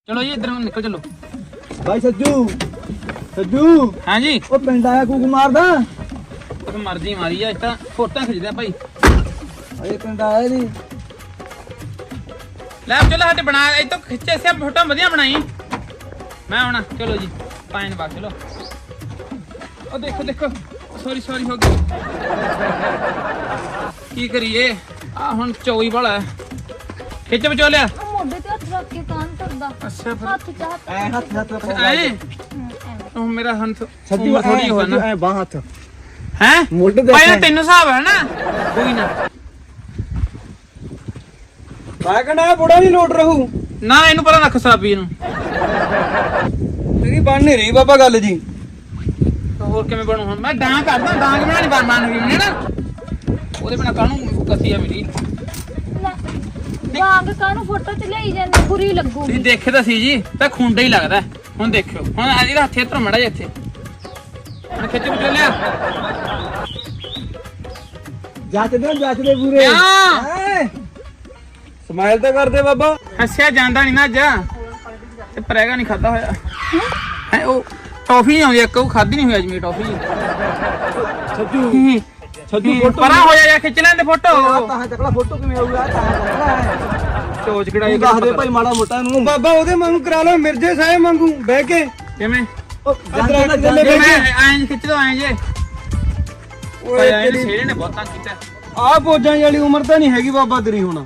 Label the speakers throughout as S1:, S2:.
S1: चलो जी इधर निकल चलो।
S2: भाई सज्जू सज्जू
S1: हाँ जी
S2: ਉਹ ਪਿੰਡ ਆਇਆ ਕੂਕ ਮਾਰਦਾ
S1: तो मर्जी मारी है इतना फोटो खिंचते हैं भाई।
S2: ਅਜੇ ਪਿੰਡ ਆਇਆ ਨਹੀਂ
S1: ले चलो हट बना ये तो खिंचे से फोटो बढ़िया बनाई मैं आना। चलो जी पाइन बाग चलो। ओ देखो देखो सॉरी सॉरी हो गई की करिए आ हुन चौई वाला है खिच बचो लिया।
S3: ਮੋਢੇ ਤੇ ਹੱਥ ਰੱਖ ਕੇ ਕਾਨ ਕਰਦਾ
S1: अच्छा फिर
S3: ਹੱਥ ਚ ਹੱਥ
S2: ਐ ਹੱਥ ਹੱਥ
S1: ऐ ओ मेरा हंथ
S2: ਸੱਜੂ
S1: थोड़ी हुआ ना
S2: ਐ ਬਾਹ ਹੱਥ
S1: हैं
S2: ਮੋਢੇ ਤੇ
S1: भाई तेन हिसाब है ना कोई ना
S2: ਮੈਂ ਕਹਿੰਦਾ ਬੁੜਾ ਨਹੀਂ ਲੋਟ ਰਹੂ
S1: ना इनू पता रख साबी नु
S2: ਤੇਰੀ ਬਣ ਨਹੀਂ ਰਹੀ ਬਾਬਾ ਗੱਲ ਜੀ
S1: ਹੋਰ ਕਿਵੇਂ ਬਣੂ ਹੁਣ ਮੈਂ ਡਾਂਗ ਕਰਦਾ ਡਾਂਗ ਬਣਾਣੀ ਬਣ ਗਈ ਨਾ ਉਹਦੇ ਬਿਨਾ ਕਾਹਨੂੰ ਕਸੀ ਆ ਮੇਰੀ।
S3: ਵਾਂਗ ਕਾਨੂੰ ਫੋਟੋ ਚ ਲਈ ਜਾਂਦੇ ਬੁਰੀ ਲੱਗੂਗੀ।
S1: ਤੁਸੀਂ ਦੇਖੇ ਤਾਂ ਸੀ ਜੀ ਤਾਂ ਖੁੰਡਾ ਹੀ ਲੱਗਦਾ ਹੁਣ ਦੇਖਿਓ ਹੁਣ ਇਹਦਾ ਹੱਥ ਇੱਧਰ ਮੜਾ ਜਾ ਇੱਥੇ ਹੁਣ ਖਿੱਚ ਬਚੋ ਲਿਆ
S2: ਜਾਂਚਦੇ ਪੂਰੇ
S1: ਕਿਉਂ?
S2: ਸਮਾਈਲ ਤਾਂ ਕਰਦੇ ਬਾਬਾ
S1: ਹੱਸਿਆ ਜਾਂਦਾ ਨਹੀਂ ਨਾ ਅੱਜ ਤੇ ਪਰੇਗਾ ਨਹੀਂ ਖਾਦਾ ਹੋਇਆ ਹੈ ਉਹ ਟੌਫੀ ਨਹੀਂ ਆਉਂਦੀ ਇੱਕ ਉਹ ਖਾਦੀ ਨਹੀਂ ਹੋਈ ਅੱਜ ਮੇਰੀ ਟੌਫੀ
S2: ਸੱਜੂ ਸੱਜੂ ਫੋਟੋ
S1: ਪਰਾਂ ਹੋ ਜਾ ਖਿੱਚ ਲੈਂਦੇ ਫੋਟੋ
S2: ਤਾਂ ਤਕੜਾ ਫੋਟੋ ਕਿਵੇਂ ਆਊਗਾ ਤਾਂ ਤਕੜਾ ਹੈ
S1: ਚੋਚ ਕਿਹੜਾ
S2: ਦੱਸ ਦੇ ਭਾਈ ਮਾੜਾ ਮੋਟਾ ਨੂੰ ਬਾਬਾ ਉਹਦੇ ਵਾਂਗੂ ਕਰਾ ਲਓ ਮਿਰਜ਼ੇ ਸਾਹਿਬ ਵਾਂਗੂ ਬਹਿ ਕੇ
S1: ਕਿਵੇਂ
S2: ਜਾਂਦੇ
S1: ਐਂ ਖਿੱਚ ਦੋ ਐਂ ਜੇ ਓਏ ਇਹਨੇ ਛੇੜੇ ਨੇ ਬਹੁਤ ਤੰਗ ਕੀਤਾ।
S2: ਆ ਪੋਜਾਂ ਵਾਲੀ ਉਮਰ ਤਾਂ ਨਹੀਂ ਹੈਗੀ ਬਾਬਾ ਤੇਰੀ ਹੁਣ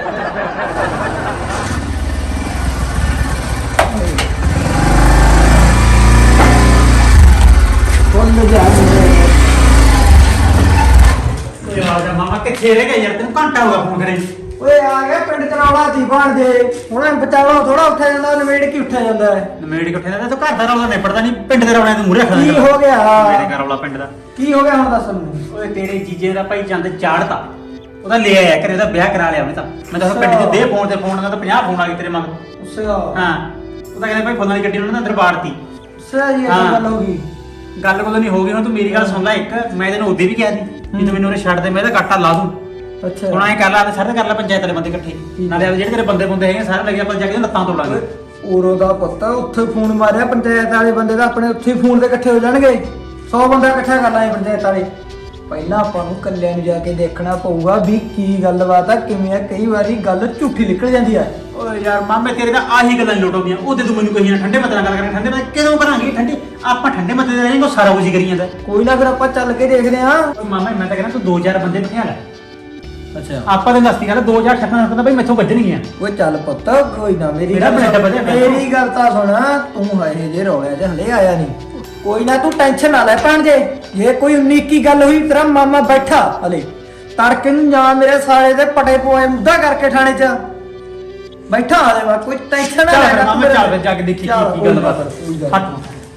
S4: ਮਾਮਾ ਕਿੱਥੇ ਰਹਿ ਗਿਆ ਯਾਰ ਤੈਨੂੰ ਘੰਟਾ ਹੋ ਗਿਆ ਫੋਨ ਕਰੇ।
S2: ਓਏ ਆ ਗਿਆ ਪਿੰਡ ਚ ਰੌਲਾ ਸੀ ਬਾਣ ਦੇ ਹੁਣ ਬਚਾਵਾ ਥੋੜਾ ਉੱਠਿਆ ਜਾਂਦਾ ਨਵੇੜ ਕੀ ਉੱਠਿਆ ਜਾਂਦਾ ਹੈ
S4: ਨਮੇੜ ਕਿੱਥੇ ਦਾ ਤੂੰ ਘਰ ਦਾ ਰੌਲਾ ਨਿਪੜਦਾ ਨਹੀਂ ਪਿੰਡ ਦੇ ਰੌਲਿਆਂ ਨੂੰ ਮੂਰੇ ਰੱਖਦਾ
S2: ਕੀ ਹੋ ਗਿਆ
S4: ਮੇਰੇ ਘਰ ਰੌਲਾ ਪਿੰਡ ਦਾ
S2: ਕੀ ਹੋ ਗਿਆ ਹੁਣ ਦੱਸ ਮੈਨੂੰ
S4: ਓਏ ਤੇਰੇ ਜੀਜੇ ਦਾ ਭਾਈ ਚੰਦ ਚਾੜਤਾ ਉਹਦਾ ਲੈ ਆਇਆ ਕਰੇ ਉਹਦਾ ਵਿਆਹ ਕਰਾ ਲਿਆ ਉਹਨੇ ਤਾਂ ਮੈਂ ਤਾਂ ਪਿੰਡ 'ਚ ਦੇ ਫੋਨ ਤੇ ਫੋਨ ਦਾ ਤਾਂ 50 ਫੋਨ ਆ ਗਏ ਤੇਰੇ ਮਗਰ।
S2: ਉਸੇ
S4: ਹਾਂ ਉਹ ਤਾਂ ਕਹਿੰਦੇ ਭਾਈ ਫੋਨਾਂ ਦੀ ਗੱਡੀ ਉਹਨਾਂ ਨੇ ਅੰਦਰ ਬਾੜਤੀ।
S2: ਉਸੇ ਜੀ ਇਹ ਗੱਲ ਹੋ ਗਈ
S4: ਗੱਲ ਕੋਲ ਨਹੀਂ ਹੋ ਗਈ ਹੁਣ ਤੂੰ ਮੇਰੀ ਗੱਲ ਸੁਣ ਲੈ ਇੱਕ ਮੈਂ ਤੈਨੂੰ ਉਹਦੇ ਵੀ ਕਿਹਾ ਸੀ ਵੀ ਤੂੰ ਮੈਨੂੰ ਉਹਨੇ ਛੱਡ ਦੇ ਮੈਂ ਇਹਦਾ ਕਾਟਾ ਲਾ ਦੂੰ।
S2: ਅੱਛਾ
S4: ਹੁਣ ਐਂ ਕਰ ਲਾ ਤੇ ਸਾਰੇ ਕਰ ਲੈ ਪੰਚਾਇਤ ਵਾਲੇ ਬੰਦੇ ਇਕੱਠੇ ਨਾਲੇ ਜਿਹੜੇ ਤੇਰੇ ਬੰਦੇ ਹੈਗੇ ਸਾਰੇ ਲੱਗੇ ਆਪਾਂ ਜਾ ਕੇ ਲੱਤਾਂ ਤੋਂ ਲਾਂਗੇ।
S2: ਉਰੋ ਦਾ ਪੁੱਤ ਉੱਥੇ ਫੋਨ ਮਾਰਿਆ ਪੰਚਾਇਤ ਵਾਲੇ ਬੰਦੇ ਦਾ ਆਪਣੇ ਉੱਥੇ ਫੋਨ ਤੇ ਇਕੱਠੇ ਹੋ ਜਾਣਗੇ 100 ਬੰਦਾ ਇਕੱਠਾ ਕਰ ਲਾਂਗੇ ਪੰਚਾਇਤ ਵਾਲੇ। ਪਹਿਲਾਂ ਆਪਾਂ ਨੂੰ ਕੱਲਿਆਂ ਨੂੰ ਜਾ ਕੇ ਦੇਖਣਾ ਪਊਗਾ ਵੀ ਕੀ ਗੱਲਬਾਤ ਆ ਕਿਵੇਂ ਆ ਕਈ ਵਾਰੀ ਗੱਲ ਝੂਠੀ ਨਿਕਲ ਜਾਂਦੀ ਆ।
S4: ਓਏ ਯਾਰ ਮਾਮੇ ਤੇਰੇ ਤਾਂ ਆਹੀ ਗੱਲਾਂ ਲੋਟ ਆਉਂਦੀਆਂ ਉਹਦੇ ਤੂੰ ਮੈਨੂੰ ਕਹੀ ਨਾ ਠੰਡੇ ਮੱਤੇ ਨਾਲ ਗੱਲ ਕਰਾਂਗੇ ਠੰਡੇ ਮੱਤੇ ਕਿਦੋਂ ਕਰਾਂਗੇ ਠੰਡੇ ਆਪਾਂ ਠੰਡੇ ਮੱਤੇ ਦੇ ਰਹਿਣਗੇ ਉਹ ਸਾਰਾ ਕੁਝ ਹੀ ਕਰੀ ਜਾਂਦਾ।
S2: ਕੋਈ ਨਾ ਫਿਰ ਆਪਾਂ ਚੱਲ ਕੇ ਦੇਖਦੇ ਆਂ।
S4: ਓਏ ਮਾਮਾ ਮੈਂ ਤਾਂ ਕਹਿੰਦਾ ਤੂੰ 2000 ਬੰਦੇ ਬਿਠਾ ਲੈ
S2: ਅੱਛਾ
S4: ਆਪਾਂ ਤੇ ਦਸਤੀ ਗੱਲ 2000 ਛੱਕਾਂ ਦਾ ਬਈ ਮੈਥੋਂ ਵੱਜਣਗੀਆਂ।
S2: ਓਏ ਚੱਲ ਪੁੱਤ ਕੋਈ ਨਾ ਮੇਰੀ
S4: ਮੇਰਾ ਬਲੱਡ ਵਧਿਆ ਪਿਆ।
S2: ਮੇਰੀ ਗੱਲ ਤਾਂ ਸੁਣ ਤੂੰ ਹਏ ਜੇ ਰੋਇਆ ਤੇ ਹਲੇ ਆਇਆ ਨਹੀਂ ਕੋਈ ਨਾ ਤੂੰ ਟੈਨਸ਼ਨ ਨਾ ਲੈ ਭਣ ਜੇ ਜੇ ਕੋਈ 19 ਕੀ ਗੱਲ ਹੋਈ ਤੇਰਾ ਮਾਮਾ ਬੈਠਾ ਹਲੇ ਤੜਕੇ ਨੂੰ ਜਾ ਮੇਰੇ ਸਾਲੇ ਦੇ ਪਟੇ ਪੋਏ ਮੁੱਦਾ ਕਰਕੇ ਥਾਣੇ 'ਚ ਬੈਠਾ ਹਲੇ ਵਾ ਕੋਈ ਟੈਨਸ਼ਨ ਨਾ ਲੈ
S4: ਚੱਲ ਮਾਮਾ ਚੱਲ ਜਾ ਕੇ ਦੇਖੀ ਕੀ ਗੱਲ ਬਾਤ ਹੱਟ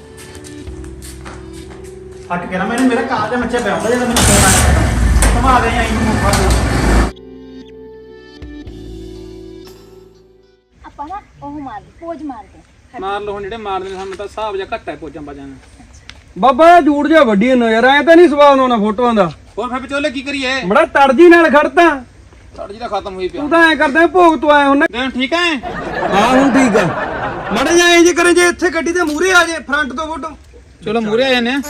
S4: ਹੱਟ ਕੇ ਨਾ ਮੈਨੂੰ ਮੇਰਾ ਕਾਜ ਮੱਛੇ ਪਿਆ ਹੁੰਦਾ ਜਦੋਂ ਮੈਨੂੰ ਫੋਨ ਆਇਆ ਸਮਾ ਦੇ ਆਈ ਨੂੰ ਮੁੱਖਾ
S3: ਆਪਾਂ ਨਾ ਉਹ ਮਾਰ ਪੋਜ ਮਾਰਦੇ
S1: ਮਾਰ ਲੋ ਹੁਣ ਜਿਹੜੇ ਮਾਰਦੇ ਨੇ ਸਾਨੂੰ ਤਾਂ ਹਿਸਾਬ ਜਾਂ ਘੱਟ ਹੈ ਪੋਜਾਂ ਬਾਜਾਂ ਦਾ।
S2: ਬਾਬਾ ਜੂੜ ਜਾ ਵੱਡੀ ਨਜ਼ਰ ਆਇਆ ਤਾਂ ਨਹੀਂ ਸਵਾਦ ਹੋਣਾ ਫੋਟੋਆਂ ਦਾ
S1: ਹੋਰ ਫਿਰ ਵਿਚੋਲੇ ਕੀ ਕਰੀਏ
S2: ਬੜਾ ਤੜਜੀ ਨਾਲ ਖੜਤਾ
S1: ਸਾਡੀ ਤਾਂ ਖਤਮ ਹੋਈ ਪਿਆ
S2: ਤੂੰ ਤਾਂ ਐ ਕਰਦਾ ਭੋਗ ਤੋਂ ਆਇਆ ਹੁਣ
S1: ਦੇਣ ਠੀਕ ਹੈ।
S2: ਹਾਂ ਹੁਣ ਠੀਕ ਆ ਮੜੇ ਜਾ ਇੰਜ ਕਰੇ ਜੇ ਇੱਥੇ ਗੱਡੀ ਦੇ ਮੂਹਰੇ ਆ ਜੇ ਫਰੰਟ ਤੋਂ ਫੋਟੋ
S1: ਚਲੋ ਮੂਰੇ ਆ ਜਾਂਦੇ ਆ।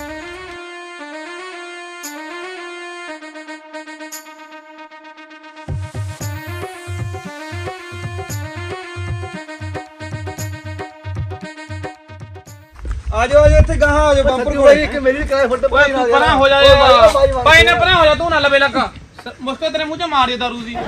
S2: ਆ ਜਾਓ ਇੱਥੇ ਗਾਹਾਂ ਆ ਜਾਓ ਬੰਪਰ ਕੋਲ ਇੱਕ ਮੇਰੀ ਕਰਾਏ ਫੋਟੋ
S1: ਓਏ ਤੂੰ ਪਰਾਂ ਹੋ ਜਾ ਭਾਈ ਨਾ ਪਰਾਂ ਹੋ ਜਾ ਤੂੰ ਨਾ ਲਵੇ ਲੱਗਾ ਮੁਸਕੇ ਤੇਰੇ ਮੂੰਹ 'ਚ ਮਾਰ ਦੇ ਦਾਰੂ ਦੀ।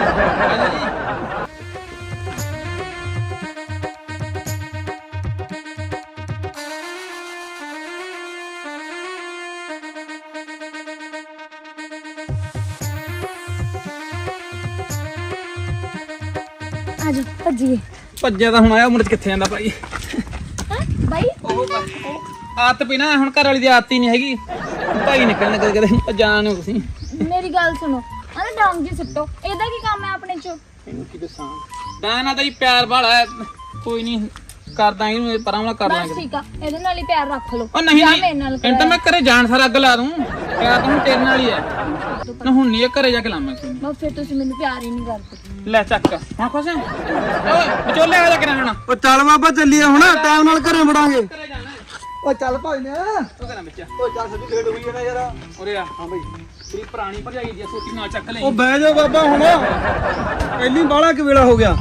S3: ਆਜੋ ਭੱਜੀਏ।
S1: ਭੱਜਿਆ ਤਾਂ ਹੁਣ ਆਇਆ ਉਮਰ 'ਚ ਕਿੱਥੇ ਜਾਂਦਾ ਭਾਈ।
S3: ਹਾਂ ਬਾਈ
S1: ਆਦਤ ਪਈ ਨਾ ਹੁਣ ਘਰ ਵਾਲੀ ਦੀ ਆਦਤ ਹੀ ਨਹੀਂ ਹੈਗੀ ਭਾਈ ਨਿਕਲਣ ਕਦੇ ਕਦੇ ਜਾਣ ਨੂੰ ਤੁਸੀਂ
S3: ਮੇਰੀ ਗੱਲ ਸੁਣੋ ਅਰੇ ਡਾਂਗ ਜੀ ਸੁੱਟੋ ਇਹਦਾ ਕੀ ਕੰਮ ਹੈ ਆਪਣੇ ਚ।
S1: ਇਹਨੂੰ ਕੀ ਦੱਸਾਂ ਡਾਇਨਾ ਦਾ ਹੀ ਪਿਆਰ ਵਾਲਾ ਹੈ ਕੋਈ ਨਹੀਂ ਕਰਦਾ ਇਹਨੂੰ ਪਰਾਂ ਵਾਲਾ ਕਰ
S3: ਬਸ
S1: ਲਾਂਗੇ
S3: ਠੀਕ ਆ ਇਹਦੇ ਨਾਲ ਹੀ ਪਿਆਰ ਰੱਖ ਲਓ
S1: ਉਹ ਨਹੀਂ
S3: ਜਾਂ
S1: ਨਹੀਂ
S3: ਮੇਰੇ ਨਾਲ
S1: ਇਹਨੂੰ ਤਾਂ ਮੈਂ ਘਰੇ ਜਾਣ ਸਾਰ ਅੱਗ ਲਾ ਦੂੰ ਪਿਆਰ ਤਾਂ ਹੁਣ ਤੇਰੇ ਨਾਲ ਹੀ ਹੈ ਨਾ ਹੁਣ ਨਹੀਂ ਇਹ ਘਰੇ ਜਾ ਕੇ ਲਾਵਾਂ ਕੋਈ
S3: ਮੈਂ ਫਿਰ ਤੁਸੀਂ ਮੈਨੂੰ ਪਿਆਰ ਹੀ ਨਹੀਂ ਕਰਦੇ
S1: ਲੈ ਚੱਕ ਹੁਣ ਖੁਸ਼ ਹੈ ਓਏ ਵਿਚੋਲੇ ਆ ਜਾ ਕੇ ਰਹਿਣਾ
S2: ਉਹ ਚੱਲ ਬਾਬਾ ਚੱਲੀਏ ਹੁਣ ਟਾਈਮ ਨਾਲ ਘਰੇ ਵੜਾਂਗੇ
S1: ਘਰੇ ਜਾਣਾ
S2: ਉਹ ਚੱਲ ਭਾਈ ਨੇ
S1: ਉਹ ਕਹਿੰਦਾ ਵਿੱਚ
S2: ਉਹ ਚੱਲ ਸੱਜੀ ਲੇਟ ਹੋਈ ਜਾਣਾ ਯਾਰ
S1: ਉਰੇ ਆ ਹਾਂ ਬਈ ਤੇਰੀ ਪੁਰਾਣੀ ਭਰਜਾਈ ਦੀ ਸੋਟੀ ਨਾਲ ਚੱਕ ਲੈ
S2: ਉਹ ਬਹਿ ਜਾ ਬਾਬਾ ਹੁਣ ਪਹਿਲੀ ਬਾਲਾ ਕਿ ਵੇਲਾ ਹੋ ਗਿਆ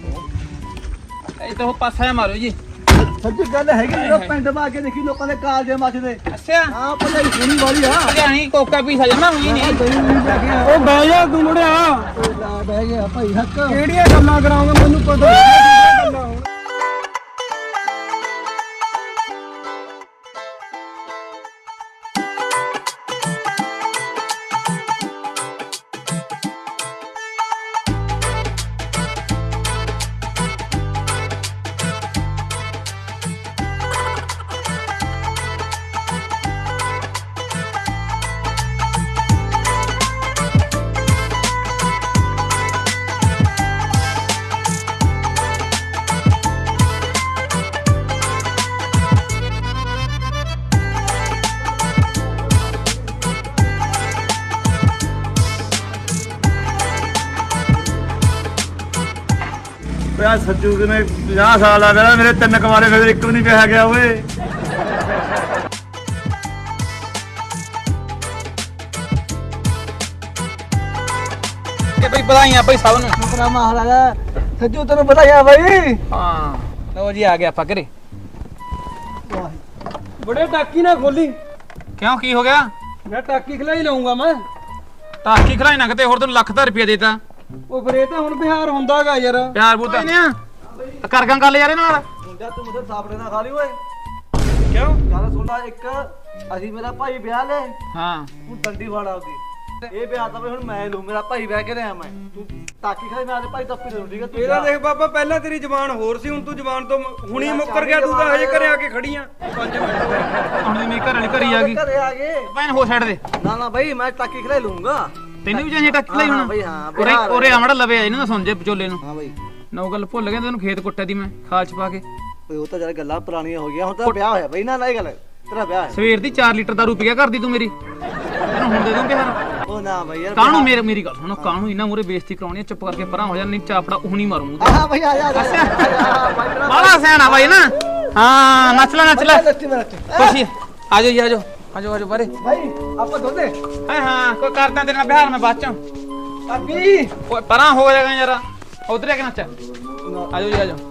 S1: ਇਹ ਤਾਂ ਉਹ ਪਾਸਾ ਮਾਰੋ ਜੀ
S2: ਸੱਚੀ ਗੱਲ ਹੈਗੀ ਜਦੋਂ ਪਿੰਡ ਮਾ ਕੇ ਦੇਖੀ ਲੋਕਾਂ ਦੇ ਕਾਲਜੇ ਮੱਚਦੇ
S1: ਅੱਛਾ
S2: ਹਾਂ ਭਜਾਈ ਸੋਹਣੀ ਵਾਲੀ ਆ
S1: ਭਰਜਾਈ ਕੋਕਾ ਪੀਸਾ ਜਮਾ ਹੋਈ ਨਹੀਂ
S2: ਉਹ ਬਹਿ ਜਾ ਤੂੰ ਮੁੜਿਆ ਬਹਿ ਗਿਆ ਭਾਈ ਹੱਕ ਕਿਹੜੀਆਂ ਗੱਲਾਂ ਕਰਾਉਂਗਾ ਮੈਨੂੰ ਪਤਾ ਨਹੀਂ ਗੱਲਾਂ ਹੁਣ
S5: ਪਿਆ ਸੱਜੂ ਨੇ 50 ਸਾਲ ਆ ਗਿਆ ਮੇਰੇ 3 ਕੁਮਾਰੇ ਫਿਰ ਇੱਕ ਵੀ ਨਹੀਂ ਵਿਆਹ ਗਿਆ ਓਏ
S1: ਕਿ ਬਈ ਵਧਾਈਆਂ ਬਈ ਸਭ ਨੂੰ
S2: ਆਪਣਾ ਮਹਾਰਾਜਾ ਸੱਜੂ ਤੈਨੂੰ ਪਤਾ ਹੈ ਬਾਈ
S1: ਹਾਂ ਲਓ ਜੀ ਆ ਗਿਆ ਆਪਾਂ ਘਰੇ
S2: ਬੜੇ ਟਾਕੀ ਨਾ ਖੋਲੀ
S1: ਕਿਉਂ ਕੀ ਹੋ ਗਿਆ
S2: ਮੈਂ ਟਾਕੀ ਖਲਾਈ ਲਾਉਂਗਾ ਮੈਂ
S1: ਟਾਕੀ ਖਲਾਈ ਨਾ ਕਿਤੇ ਹੋਰ ਤੈਨੂੰ ਲੱਖ ਦਾ ਰੁਪਿਆ ਦੇਤਾ
S2: ਉਹ ਫਿਰ ਇਹ ਤਾਂ ਹੁਣ ਬਿਹਾਰ ਹੁੰਦਾਗਾ ਯਾਰ
S1: ਪਿਆਰ ਬੂਤਾ ਨੇ ਆ ਕਰ ਗਾਂ ਗੱਲ ਯਾਰ ਇਹ ਨਾਲ
S5: ਮੁੰਡਾ ਤੂੰ ਮੁझे ਸਾਪੜੇ ਨਾ ਖਾ ਲਈ ਓਏ
S1: ਕਿਉਂ
S5: ਗੱਲ ਸੁਣਦਾ ਇੱਕ ਅਸੀਂ ਮੇਰਾ ਭਾਈ ਵਿਆਹ ਲੈ
S1: ਹਾਂ
S5: ਤੂੰ ਡੰਡੀ ਵਾੜਾ ਉਹਦੀ ਇਹ ਵਿਆਹ ਤਾਂ ਬਈ ਹੁਣ ਮੈਂ ਲੂ ਮੇਰਾ ਭਾਈ ਵਿਆਹ ਕੇ ਰਿਹਾ ਮੈਂ ਤੂੰ ਟਾਕੀ ਖਾਈ ਮੈਂ ਆਦੇ ਭਾਈ ਤੱਪੀ ਦੇ ਠੀਕ ਹੈ ਤੂੰ
S2: ਇਹਦਾ ਦੇਖ ਬਾਬਾ ਪਹਿਲਾਂ ਤੇਰੀ ਜ਼ਬਾਨ ਹੋਰ ਸੀ ਹੁਣ ਤੂੰ ਜ਼ਬਾਨ ਤੋਂ ਹੁਣੀ ਮੁੱਕਰ ਗਿਆ ਤੂੰ ਤਾਂ ਹਜੇ ਘਰੇ ਆ ਕੇ ਖੜੀ ਆ 5 ਮਿੰਟ ਹੋਏ
S1: ਹੁਣ ਦੀ ਮੇਰੀ ਘਰ ਵਾਲੀ ਘਰੀ ਆ ਗਈ
S5: ਘਰੇ ਆ ਗਏ
S1: ਭੈਣ ਹੋ ਛੱਡ ਦੇ
S5: ਨਾ ਨਾ ਭਾਈ ਮੈਂ ਟਾਕੀ ਖਿਲਾ ਲੂੰਗਾ
S1: ਤੈਨੂੰ ਵੀ ਚਾਹੀਏ ਟੱਕ ਲਈ
S5: ਹਾਂ
S1: ਹੁਣ
S5: ਬਈ, ਹਾਂ,
S1: ਉਰੇ
S5: ਬਿਹਾਰ
S1: ਉਰੇ ਆਮੜਾ ਲਵੇ ਇਹਨੂੰ ਨਾ ਸੁਣ ਜੇ ਵਿਚੋਲੇ ਨੂੰ
S5: ਹਾਂ ਭਾਈ
S1: ਨੌ ਗੱਲ ਭੁੱਲ ਗਿਆ ਤੈਨੂੰ ਖੇਤ ਕੁੱਟਿਆ ਦੀ ਮੈਂ ਖਾਲ ਚ ਪਾ ਕੇ
S5: ਓਏ ਉਹ ਤਾਂ ਜਰਾ ਗੱਲਾਂ ਪੁਰਾਣੀਆਂ ਹੋ ਗਈਆਂ ਹੁਣ ਤਾਂ ਵਿਆਹ ਹੋਇਆ ਬਈ ਨਾ ਨਾ ਇਹ ਗੱਲ ਤੇਰਾ ਵਿਆਹ ਹੈ
S1: ਸਵੇਰ ਦੀ 4 ਲੀਟਰ ਦਾਰੂ ਪੀਆ ਕਰਦੀ ਤੂੰ ਮੇਰੀ ਤੈਨੂੰ ਹੁਣ ਦੇ ਦੂੰ ਬਿਹਾਰ
S5: ਉਹ ਨਾ ਭਾਈ ਯਾਰ
S1: ਕਾਹਨੂੰ ਮੇਰੀ ਗੱਲ ਸੁਣੋ ਕਾਹਨੂੰ ਇਹਨਾਂ ਮੂਰੇ ਬੇਇੱਜ਼ਤੀ ਕਰਾਉਣੀ ਆ, ਚੁੱਪ ਕਰਕੇ ਪਰਾਂ ਹੋ ਜਾ ਨਹੀਂ ਚਾਪੜਾ ਉਹਨੀ ਮਾਰੂ ਮੂੰਹ
S5: ਹਾਂ ਭਾਈ ਆ ਜਾ
S1: ਤੇ ਬਾਲਾ ਸਿਆਣਾ ਬਾਈ ਨਾ ਹਾਂ ਨੱਚ ਲੈ
S5: ਲੱਤੀ ਮੈਂ ਲੱਤੀ
S1: ਖੁਸ਼ੀ ਆਜੋ ਆਜੋ ਬਾਰੇ
S2: ਭਾਈ ਆਪਾਂ ਦੋਨੇ
S1: ਹਾਂ ਕੋਈ ਕਰਦਾ ਤੇਰੇ ਨਾਲ ਬਿਹਾਰ ਮੈਂ ਬਾਅਦ ਚੋਂ
S2: ਅੱਗੀ
S1: ਓਏ ਪਰਾਂ ਹੋ ਜਾਏਗਾ ਯਾਰ ਉਧਰ ਆ ਕੇ ਨੱਚ ਆਜੋ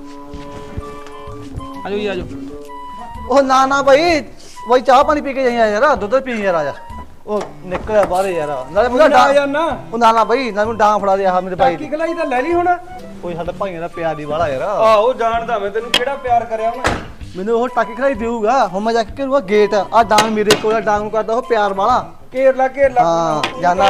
S1: ਜੀ ਆਜੋ
S5: ਉਹ ਨਾ ਨਾ ਭਾਈ ਵਈ ਚਾਹ ਪਾਣੀ ਪੀ ਕੇ ਜਾਈਂ ਯਾਰ ਦੁੱਧ ਪੀ ਯਾਰ ਆ ਜਾ ਉਹ ਨਿਕਲਿਆ ਬਾਹਰ ਯਾਰ ਨਾਲੇ ਮੁੰਡਾ
S2: ਨਾ ਯਾਰ ਨਾ
S5: ਉਹ ਨਾ ਨਾ ਭਾਈ ਨਾ ਮੈਨੂੰ ਡਾਂ ਫੜਾ ਦੇ ਆ ਮੇਰੇ ਭਾਈ
S2: ਟਾਕੀ
S5: ਦੀ
S2: ਖਲਾਈ ਤਾਂ ਲੈ ਲਈ ਹੁਣ
S5: ਕੋਈ ਸਾਡਾ ਭਾਈਆਂ ਦਾ ਪਿਆਰ ਦੀ ਵਾਲਾ ਯਾਰ
S2: ਆਹੋ ਜਾਣਦਾ ਮੈਂ ਤੈਨੂੰ ਕਿਹੜਾ ਪਿਆਰ ਕਰਿਆ ਉਹਨੇ
S5: ਮੈਨੂੰ ਉਹ ਟਾਕੀ ਖੜਾਈ ਦੇਊਗਾ ਹੁਣ ਮੈਂ ਜਾ ਕੇ ਕਰੂਗਾ ਗੇਟ ਆ ਡਾਂਗ ਮੇਰੇ ਕੋਲ ਡਾਂਗ ਨੂੰ ਕਰਦਾ ਉਹ ਪਿਆਰ ਵਾਲਾ
S2: ਘੇਰ ਲਾ
S5: ਹਾਂ ਜਾਨਾ